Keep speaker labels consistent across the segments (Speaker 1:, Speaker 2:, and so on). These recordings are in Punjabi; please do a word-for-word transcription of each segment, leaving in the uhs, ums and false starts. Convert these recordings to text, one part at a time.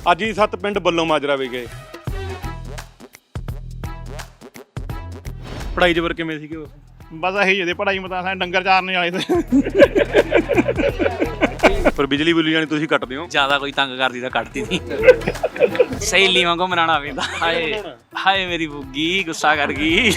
Speaker 1: ਅੱਜ ਹੀ ਸੱਤ ਪਿੰਡ ਬੱਲੋਂ ਮਾਜਰਾ ਵੀ ਗਏ। ਪੜ੍ਹਾਈ ਜਬਰ ਕਿਵੇਂ ਸੀਗੇ ਉਸ?
Speaker 2: ਬਸ ਇਹੀ ਜਿਹੀ ਪੜ੍ਹਾਈ ਮਤਾਂ ਸਾਰੇ ਡੰਗਰ ਚਾਰਨੇ ਵਾਲੇ ਤੇ
Speaker 1: ਪਰ ਬਿਜਲੀ ਬੁਲੀ ਜਾਣੀ ਤੁਸੀਂ ਕੱਟਦੇ ਹੋ
Speaker 3: ਜ਼ਿਆਦਾ ਕੋਈ ਤੰਗ ਕਰਦੀ ਤਾਂ ਕੱਟਦੀ ਨਹੀਂ। ਸਹੇਲੀ ਵਾਂਗੂ ਮਨਾਉਣਾ ਪੈਂਦਾ। ਹਾਏ ਹਾਏ ਮੇਰੀ ਬੁੱਗੀ ਗੁੱਸਾ ਕਰ ਗਈ।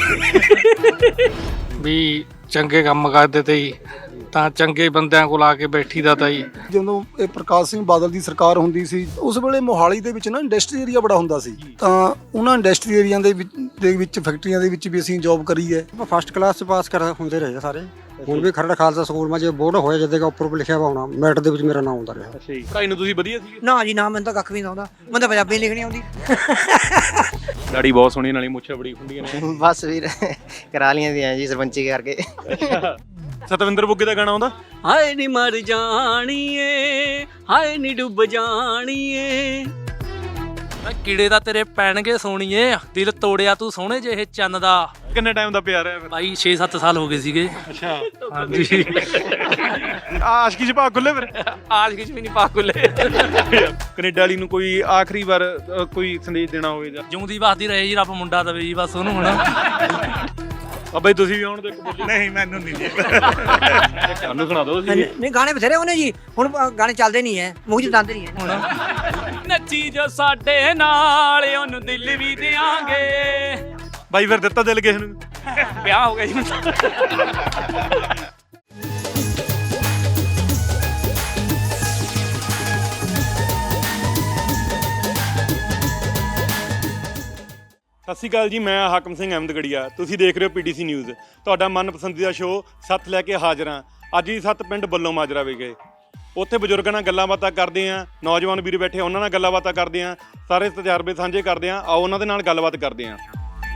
Speaker 4: ਵੀ ਚੰਗੇ ਕੰਮ ਕਰਦੇ ਤੇ ਜੀ ਤਾਂ ਚੰਗੇ ਬੰਦਿਆਂ ਕੋਲ ਆ ਕੇ ਬੈਠੀ ਦਾ ਤਾਂ ਜੀ।
Speaker 5: ਜਦੋਂ ਇਹ ਪ੍ਰਕਾਸ਼ ਸਿੰਘ ਬਾਦਲ ਦੀ ਸਰਕਾਰ ਹੁੰਦੀ ਸੀ ਉਸ ਵੇਲੇ ਮੋਹਾਲੀ ਦੇ ਵਿੱਚ ਨਾ ਇੰਡਸਟਰੀ ਏਰੀਆ ਬੜਾ ਹੁੰਦਾ ਸੀ, ਤਾਂ ਉਹਨਾਂ ਇੰਡਸਟਰੀ ਏਰੀਆ ਦੇ ਵਿੱਚ ਦੇ ਵਿੱਚ ਫੈਕਟਰੀਆਂ ਦੇ ਵਿੱਚ ਵੀ ਅਸੀਂ ਜੌਬ ਕਰੀ ਹੈ।
Speaker 6: ਫਸਟ ਕਲਾਸ ਚ ਪਾਸ ਕਰ ਹੁੰਦੇ ਰਹੇ ਸਾਰੇ। ਹੁਣ ਵੀ ਖਰੜ ਖਾਲਸਾ ਸਕੂਲ ਮਾ ਜੇ ਬੋਰਡ ਹੋਇਆ ਜਦੇ ਦਾ ਉੱਪਰ ਲਿਖਿਆ ਵਾ ਹੋਣਾ ਮੈਟ ਦੇ ਵਿੱਚ ਮੇਰਾ ਨਾਮ ਆਉਂਦਾ ਰਿਹਾ।
Speaker 1: ਅੱਛਾ ਜੀ, ਪੜ੍ਹਾਈ ਨੂੰ ਤੁਸੀਂ ਵਧੀਆ ਸੀ?
Speaker 7: ਨਾ ਜੀ ਨਾ, ਮੈਨੂੰ ਤਾਂ ਕੱਖ ਵੀ ਨਹੀਂ ਆਉਂਦਾ, ਮੈਨੂੰ ਤਾਂ ਪੰਜਾਬੀ ਲਿਖਣੀ ਆਉਂਦੀ।
Speaker 1: ਦਾੜੀ ਬਹੁਤ ਸੋਹਣੀ ਨਾਲੀ ਮੁੱਛਾਂ ਬੜੀ ਖੁੰਡੀਆਂ ਨੇ।
Speaker 8: ਬਸ ਵੀਰ ਕਰਾ ਲੀਆਂ ਦੀਆਂ ਜੀ ਸਰਪੰਚੀ ਕਰਕੇ।
Speaker 1: ਸਤਵਿੰਦਰ ਬੁੱਗੇ ਦਾ ਗਾਣਾ ਆਉਂਦਾ?
Speaker 3: ਹਾਏ ਨੀ ਮਰ ਜਾਣੀਏ, ਹਾਏ ਨੀ ਡੁੱਬ ਜਾਣੀਏ। ਕੀੜੇ ਤਾਂ ਤੇਰੇ ਪੈਣਗੇ ਸੋਣੀਏ, ਦਿਲ ਤੋੜਿਆ ਤੂੰ ਸੋਹਣੇ ਜਿਹੇ ਚੰਨ ਦਾ।
Speaker 1: ਕਿੰਨੇ ਟਾਈਮ ਦਾ ਪਿਆਰ ਹੈ?
Speaker 3: ਭਾਈ ਛੇ ਸੱਤ ਸਾਲ ਹੋ ਗਏ ਸੀਗੇ।
Speaker 1: ਅੱਛਾ
Speaker 3: ਹਾਂਜੀ।
Speaker 1: ਆਸ਼ਕੀ ਚ ਭਾਗ ਖੁੱਲੇ ਫਿਰ?
Speaker 3: ਆਸ਼ਕੀ ਚ ਵੀ ਨਹੀਂ ਪਾ ਖੁੱਲੇ।
Speaker 1: ਕੈਨੇਡਾ ਵਾਲੀ ਨੂੰ ਕੋਈ ਆਖਰੀ ਵਾਰ ਅ, ਕੋਈ ਸੰਦੇਸ਼ ਦੇਣਾ ਹੋਵੇ ਜਾਂ?
Speaker 3: ਜਿਉਂਦੀ ਵਸਦੀ ਰਹੇ ਜੀ, ਰੱਬ ਮੁੰਡਾ ਦਵੇ ਜੀ ਬਸ ਉਹਨੂੰ। ਹੁਣ
Speaker 1: ਬਾਬਾ ਜੀ ਤੁਸੀਂ ਵੀ ਆਉਣ ਦੇ ਇੱਕ ਬੋਲੀ।
Speaker 2: ਨਹੀਂ ਮੈਨੂੰ ਨਹੀਂ ਜੀ।
Speaker 1: ਸਾਨੂੰ ਸੁਣਾ ਦਿਓ ਤੁਸੀਂ।
Speaker 7: ਨਹੀਂ ਗਾਣੇ ਬਥੇਰੇ ਉਹਨੇ ਜੀ, ਹੁਣ ਗਾਣੇ ਚੱਲਦੇ ਨਹੀਂ ਹੈ, ਮੂੰਹ ਚ ਦੰਦ ਨਹੀਂ ਹੈ।
Speaker 3: ਹੁਣ ਨੱਚੀ ਜੋ ਸਾਡੇ ਨਾਲ ਉਹਨੂੰ ਦਿਲ ਵੀ ਦਿਆਂਗੇ।
Speaker 1: ਬਾਈ ਫਿਰ ਦਿੱਤਾ ਦਿਲ ਕਿਸੇ ਨੂੰ?
Speaker 3: ਵਿਆਹ ਹੋ ਗਿਆ ਜੀ ਹੁਣ ਤਾਂ।
Speaker 1: ਸਤਿ ਸ਼੍ਰੀ ਅਕਾਲ ਜੀ, ਮੈਂ ਹਾਕਮ ਸਿੰਘ ਅਹਿਮਦਗੜੀਆ। ਤੁਸੀਂ ਦੇਖ ਰਹੇ ਹੋ ਪੀਟੀਸੀ ਨਿਊਜ਼, ਤੁਹਾਡਾ ਮਨਪਸੰਦੀਦਾ ਸ਼ੋਅ। ਸੱਤ ਲੈ ਕੇ ਹਾਜ਼ਰ ਹਾਂ। ਅੱਜ ਹੀ ਸੱਤ ਪਿੰਡ ਬੱਲੋਂ ਮਾਜਰਾ ਵੀ ਗਏ। ਉੱਥੇ ਬਜ਼ੁਰਗਾਂ ਨਾਲ ਗੱਲਾਂ ਬਾਤਾਂ ਕਰਦੇ ਹਾਂ, ਨੌਜਵਾਨ ਵੀਰ ਬੈਠੇ ਉਹਨਾਂ ਨਾਲ ਗੱਲਾਂ ਬਾਤਾਂ ਕਰਦੇ ਹਾਂ, ਸਾਰੇ ਤਜਰਬੇ ਸਾਂਝੇ ਕਰਦੇ ਹਾਂ। ਆਓ ਉਹਨਾਂ ਦੇ ਨਾਲ ਗੱਲਬਾਤ ਕਰਦੇ ਹਾਂ।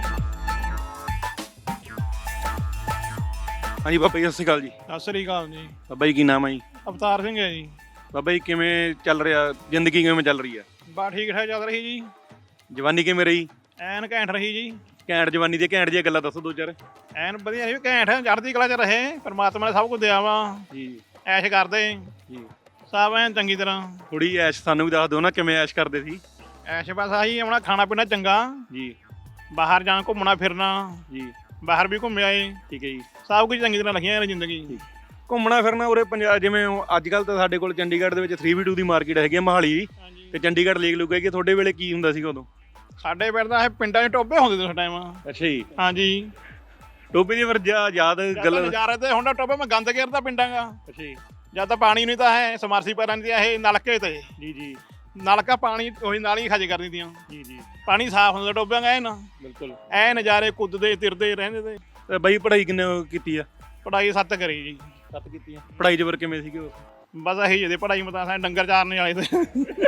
Speaker 1: ਹਾਂਜੀ ਬਾਬਾ ਜੀ ਸਤਿ ਸ਼੍ਰੀ ਅਕਾਲ ਜੀ।
Speaker 2: ਸਤਿ ਸ੍ਰੀ ਅਕਾਲ ਜੀ।
Speaker 1: ਬਾਬਾ ਜੀ ਕੀ ਨਾਮ ਹੈ ਜੀ?
Speaker 2: ਅਵਤਾਰ ਸਿੰਘ ਹੈ ਜੀ।
Speaker 1: ਬਾਬਾ ਜੀ ਕਿਵੇਂ ਚੱਲ ਰਿਹਾ ਜ਼ਿੰਦਗੀ, ਕਿਵੇਂ ਚੱਲ ਰਹੀ ਹੈ?
Speaker 2: ਬਾ ਠੀਕ ਠਾਕ ਚੱਲ ਰਹੀ ਜੀ।
Speaker 1: ਜਵਾਨੀ ਕਿਵੇਂ ਰਹੀ?
Speaker 2: ਐਨ ਘੈਂਟ ਰਹੀ ਜੀ।
Speaker 1: ਘੈਂਟ ਜਵਾਨੀ ਦੀਆਂ ਘੈਂਟ ਜਿਹੀਆਂ ਗੱਲਾਂ ਦੱਸੋ ਦੋ ਚਾਰ।
Speaker 2: ਐਨ ਵਧੀਆ ਰਹੀ, ਘੈਂਟ ਚੜ੍ਹਦੀ ਕਲਾ ਚ ਰਹੇ। ਪਰਮਾਤਮਾ ਨੇ ਸਭ ਕੁਝ ਦਿਆ ਵਾ
Speaker 1: ਜੀ
Speaker 2: ਐਸ਼ ਕਰਦੇ
Speaker 1: ਜੀ।
Speaker 2: ਸਭ ਐਨ ਚੰਗੀ ਤਰ੍ਹਾਂ।
Speaker 1: ਥੋੜੀ ਐਸ਼ ਸਾਨੂੰ ਵੀ ਦੱਸ ਦਿਓ ਨਾ, ਕਿਵੇਂ ਐਸ਼ ਕਰਦੇ ਸੀ?
Speaker 2: ਐਸ਼ ਬਸ ਆਹੀ ਆਪਣਾ ਖਾਣਾ ਪੀਣਾ ਚੰਗਾ
Speaker 1: ਜੀ,
Speaker 2: ਬਾਹਰ ਜਾਣਾ ਘੁੰਮਣਾ ਫਿਰਨਾ
Speaker 1: ਜੀ
Speaker 2: ਬਾਹਰ ਵੀ ਘੁੰਮ ਆਏ।
Speaker 1: ਠੀਕ ਹੈ ਜੀ।
Speaker 2: ਸਭ ਕੁਝ ਚੰਗੀ ਤਰ੍ਹਾਂ ਲਿਖੀਆਂ ਜ਼ਿੰਦਗੀ।
Speaker 1: ਘੁੰਮਣਾ ਫਿਰਨਾ ਉਰੇ ਪੰਜਾਬ, ਜਿਵੇਂ ਅੱਜ ਕੱਲ੍ਹ ਤਾਂ ਸਾਡੇ ਕੋਲ ਚੰਡੀਗੜ੍ਹ ਦੇ ਵਿੱਚ ਥ੍ਰੀ ਬੀ ਟੂ ਦੀ ਮਾਰਕੀਟ ਹੈਗੀ ਹੈ ਮੋਹਾਲੀ, ਤੇ ਚੰਡੀਗੜ੍ਹ ਲੇਕ ਲੁਕ ਹੈਗੀ। ਤੁਹਾਡੇ ਵੇਲੇ ਕੀ ਹੁੰਦਾ ਸੀਗਾ ਉਦੋਂ?
Speaker 2: ਸਾਡੇ ਪਿੰਡ ਦਾ ਇਹ ਪਿੰਡਾਂ 'ਚ ਟੋਬੇ ਹੁੰਦੇ ਸੀ ਉਸ ਟਾਈਮ।
Speaker 1: ਅੱਛਾ ਜੀ।
Speaker 2: ਹਾਂਜੀ
Speaker 1: ਟੋਬੇ ਦੀ ਫਿਰ ਯਾਦ ਗੱਲ?
Speaker 2: ਨਜ਼ਾਰੇ ਤੇ ਹੁਣ ਟੋਬੇ ਮੈਂ ਗੰਦ ਘੇਰਦਾ ਪਿੰਡਾਂ ਦਾ।
Speaker 1: ਅੱਛਾ ਜੀ।
Speaker 2: ਜਦ ਤਾਂ ਪਾਣੀ ਨਹੀਂ ਤਾਂ ਹੈ ਸਮਰਸੀ ਪੈਰਾਂ ਦੀ ਇਹ ਨਲਕੇ ਤੇ
Speaker 1: ਜੀ ਜੀ।
Speaker 2: ਨਲਕਾ ਪਾਣੀ ਉਹੀ ਨਾਲ ਹੀ ਖਜ ਕਰ ਦਿੰਦੀਆਂ
Speaker 1: ਜੀ ਜੀ।
Speaker 2: ਪਾਣੀ ਸਾਫ਼ ਹੁੰਦਾ ਟੋਬਿਆਂ ਦਾ। ਐਨ
Speaker 1: ਬਿਲਕੁਲ
Speaker 2: ਐ ਨਜ਼ਾਰੇ ਕੁੱਦਦੇ ਤਿਰਦੇ ਰਹਿੰਦੇ ਤੇ।
Speaker 1: ਤੇ ਬਾਈ ਪੜ੍ਹਾਈ ਕਿੰਨੇ ਕੀਤੀ ਆ?
Speaker 2: ਪੜ੍ਹਾਈ ਸੱਤ ਕਰੀ ਜੀ।
Speaker 1: ਸੱਤ ਕੀਤੀ ਆ। ਪੜ੍ਹਾਈ ਜਬਰ ਕਿਵੇਂ ਸੀਗੇ ਉਸ?
Speaker 2: ਬਸ ਇਹੀ ਜਿਹੀ ਪੜ੍ਹਾਈ ਮਤਾਂ ਸਾਰੇ ਡੰਗਰ ਚਾਰਨੇ ਵਾਲੇ ਤੇ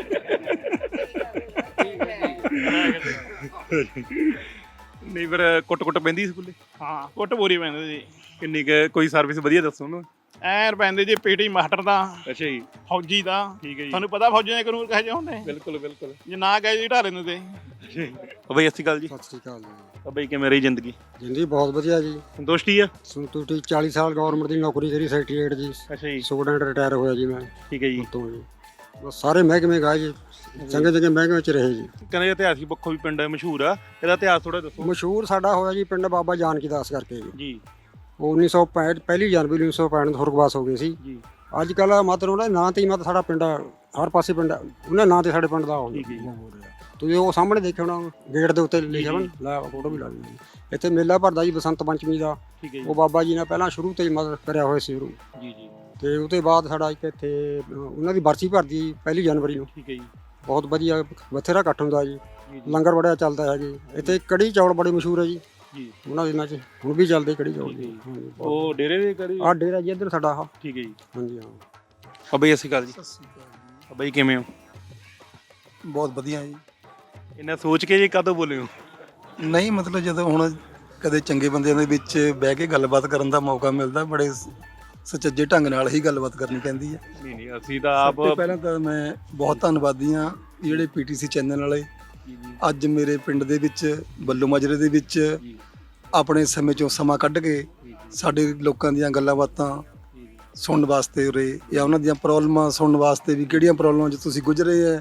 Speaker 1: ਨਹੀਂ ਫਿਰ ਕੁੱਟ ਕੁੱਟ ਪੈਂਦੀ ਸਕੂਲੇ?
Speaker 2: ਹਾਂ ਕੁੱਟ ਪੂਰੀ ਪੈਂਦੇ ਜੀ।
Speaker 1: ਕਿੰਨੀ ਕੁ ਕੋਈ ਸਰਵਿਸ ਵਧੀਆ ਦੱਸੋ ਉਹਨੂੰ।
Speaker 2: ਐਨ ਪੈਂਦੇ ਜੀ ਪੀਟੀ ਮਾਸਟਰ ਦਾ,
Speaker 1: ਅੱਛਾ ਜੀ।
Speaker 2: ਫੌਜੀ ਦਾ।
Speaker 1: ਠੀਕ ਹੈ ਜੀ।
Speaker 2: ਤੁਹਾਨੂੰ ਪਤਾ ਫੌਜੀਆਂ ਦੇ ਕਾਨੂੰਨ ਕਹੇ ਜਿਹੇ ਹੁੰਦੇ?
Speaker 1: ਬਿਲਕੁਲ ਬਿਲਕੁਲ।
Speaker 2: ਜੇ ਨਾ ਗਏ ਜੀ ਢਾਰੇ ਦਿੰਦੇ।
Speaker 1: ਬਾਈ ਸਤਿ ਸ਼੍ਰੀ ਅਕਾਲ ਜੀ।
Speaker 6: ਸਤਿ ਸ੍ਰੀ ਅਕਾਲ ਜੀ।
Speaker 1: ਬਾਈ ਕਿਵੇਂ ਰਹੀ ਜ਼ਿੰਦਗੀ?
Speaker 6: ਜ਼ਿੰਦਗੀ ਬਹੁਤ ਵਧੀਆ ਜੀ।
Speaker 1: ਸੰਤੁਸ਼ਟੀ ਆ?
Speaker 6: ਸੰਤੁਸ਼ਟੀ। ਚਾਲੀ ਸਾਲ ਗਵਰਨਮੈਂਟ ਦੀ ਨੌਕਰੀ ਕਰੀ ਸੈਕਟਰੀਏਟ ਜੀ।
Speaker 1: ਅੱਛਾ ਜੀ।
Speaker 6: ਸਟੂਡੈਂਟ ਰਿਟਾਇਰ ਹੋਇਆ ਜੀ ਮੈਂ
Speaker 1: ਠੀਕ ਹੈ ਜੀ।
Speaker 6: ਤੋਂ ਜੀ। ਬਸ ਸਾਰੇ ਮਹਿਕਮੇ ਗਏ ਜੀ, ਚੰਗੇ ਚੰਗੇ ਮਹਿਕਮੇ ਚ ਰਹੇ ਜੀ।
Speaker 1: ਕਹਿੰਦੇ ਇਤਿਹਾਸਿਕ ਪੱਖੋਂ ਵੀ ਪਿੰਡ ਮਸ਼ਹੂਰ ਆ, ਇਹਦਾ ਇਤਿਹਾਸ ਥੋੜਾ ਦੱਸੋ।
Speaker 6: ਮਸ਼ਹੂਰ ਸਾਡਾ ਹੋਇਆ ਜੀ ਪਿੰਡ ਬਾਬਾ ਜਾਨਕੀ ਦਾਸ ਕਰਕੇ ਜੀ।
Speaker 1: ਜੀ।
Speaker 6: ਉਹ ਉੱਨੀ ਸੌ ਪੈਂਹਠ ਪਹਿਲੀ ਜਨਵਰੀ ਉੱਨੀ ਸੌ ਪੈਂਹਠ ਨੂੰ ਸੁਰਗਵਾਸ ਹੋ ਗਏ ਸੀ
Speaker 1: ਜੀ।
Speaker 6: ਅੱਜ ਕੱਲ੍ਹ ਮਤਲਬ ਉਹਨਾਂ ਦੇ ਨਾਂ ਤੇ ਹੀ ਮਤਲਬ ਸਾਡਾ ਪਿੰਡ ਹਰ ਪਾਸੇ ਪਿੰਡ ਉਹਨਾਂ ਨਾਂ ਤੇ ਸਾਡੇ ਪਿੰਡ ਦਾ ਹੋ ਰਿਹਾ। ਤੁਸੀਂ ਉਹ ਸਾਹਮਣੇ ਦੇਖਿਆ ਹੋਣਾ ਗੇਟ ਦੇ ਉੱਤੇ ਲਿਖਿਆ ਹੋਣਾ, ਲੈ ਫੋਟੋ ਵੀ ਲਾ ਲਈ। ਇੱਥੇ ਮੇਲਾ ਭਰਦਾ ਜੀ ਬਸੰਤ ਪੰਚਮੀ ਦਾ।
Speaker 1: ਠੀਕ ਹੈ ਜੀ।
Speaker 6: ਉਹ ਬਾਬਾ ਜੀ ਨੇ ਪਹਿਲਾਂ ਸ਼ੁਰੂ ਤੋਂ ਹੀ ਮਦਦ ਕਰਿਆ ਹੋਇਆ ਸੀ ਸ਼ੁਰੂ।
Speaker 1: ਜੀ ਜੀ।
Speaker 6: ਤੇ ਉਹਦੇ ਬਾਅਦ ਸਾਡਾ ਇੱਕ ਇੱਥੇ ਉਹਨਾਂ ਦੀ ਬਰਸੀ ਭਰਦੀ ਪਹਿਲੀ ਜਨਵਰੀ ਨੂੰ।
Speaker 1: ਠੀਕ ਹੈ ਜੀ।
Speaker 6: ਬਹੁਤ ਵਧੀਆ ਬਥੇਰਾ ਇਕੱਠ ਹੁੰਦਾ ਜੀ। ਲੰਗਰ ਬੜਾ ਚੱਲਦਾ ਹੈ ਜੀ। ਇੱਥੇ ਕੜੀ ਚੌਲ ਬੜੇ ਮਸ਼ਹੂਰ ਹੈ ਜੀ
Speaker 1: ਜੀ।
Speaker 6: ਉਹਨਾਂ ਦਿਨਾਂ 'ਚ ਹੁਣ ਵੀ ਚੱਲਦੇ ਕੜੀ ਚੌਲ ਜੀ।
Speaker 1: ਉਹ ਡੇਰੇ ਦੇ ਕਰੀ?
Speaker 6: ਆਹ ਡੇਰਾ ਜੀ ਇੱਧਰ ਸਾਡਾ ਆਹ।
Speaker 1: ਠੀਕ ਹੈ ਜੀ।
Speaker 6: ਹਾਂਜੀ ਹਾਂ।
Speaker 1: ਬਾਬਾ ਜੀ ਸਤਿ ਸ਼੍ਰੀ ਅਕਾਲ ਜੀ। ਬਾਬਾ ਜੀ ਕਿਵੇਂ ਹੋ?
Speaker 5: ਬਹੁਤ ਵਧੀਆ ਜੀ।
Speaker 1: ਇਹਨਾਂ ਸੋਚ ਕੇ ਜੀ ਕਦੋਂ ਬੋਲੇ ਹੋ?
Speaker 5: ਨਹੀਂ ਮਤਲਬ ਜਦੋਂ ਹੁਣ ਕਦੇ ਚੰਗੇ ਬੰਦਿਆਂ ਦੇ ਵਿੱਚ ਬਹਿ ਕੇ ਗੱਲਬਾਤ ਕਰਨ ਦਾ ਮੌਕਾ ਮਿਲਦਾ, ਬੜੇ ਸੁਚੱਜੇ ਢੰਗ ਨਾਲ ਹੀ ਗੱਲਬਾਤ ਕਰਨੀ ਪੈਂਦੀ ਹੈ।
Speaker 1: ਨਹੀਂ ਨਹੀਂ ਅਸੀਂ ਤਾਂ ਆਪ
Speaker 5: ਸਭ ਤੋਂ ਪਹਿਲਾਂ ਤਾਂ ਮੈਂ ਬਹੁਤ ਧੰਨਵਾਦੀ ਹਾਂ ਜਿਹੜੇ ਪੀਟੀਸੀ ਚੈਨਲ ਵਾਲੇ ਅੱਜ ਮੇਰੇ ਪਿੰਡ ਦੇ ਵਿੱਚ ਬੱਲੋ ਮਾਜਰੇ ਦੇ ਵਿੱਚ ਆਪਣੇ ਸਮੇਂ ਚੋਂ ਸਮਾਂ ਕੱਢ ਕੇ ਸਾਡੇ ਲੋਕਾਂ ਦੀਆਂ ਗੱਲਾਂ ਬਾਤਾਂ ਸੁਣਨ ਵਾਸਤੇ ਉਰੇ, ਜਾਂ ਉਹਨਾਂ ਦੀਆਂ ਪ੍ਰੋਬਲਮਾਂ ਸੁਣਨ ਵਾਸਤੇ ਵੀ ਕਿਹੜੀਆਂ ਪ੍ਰੋਬਲਮਾਂ 'ਚ ਤੁਸੀਂ ਗੁਜ਼ਰੇ ਹੈ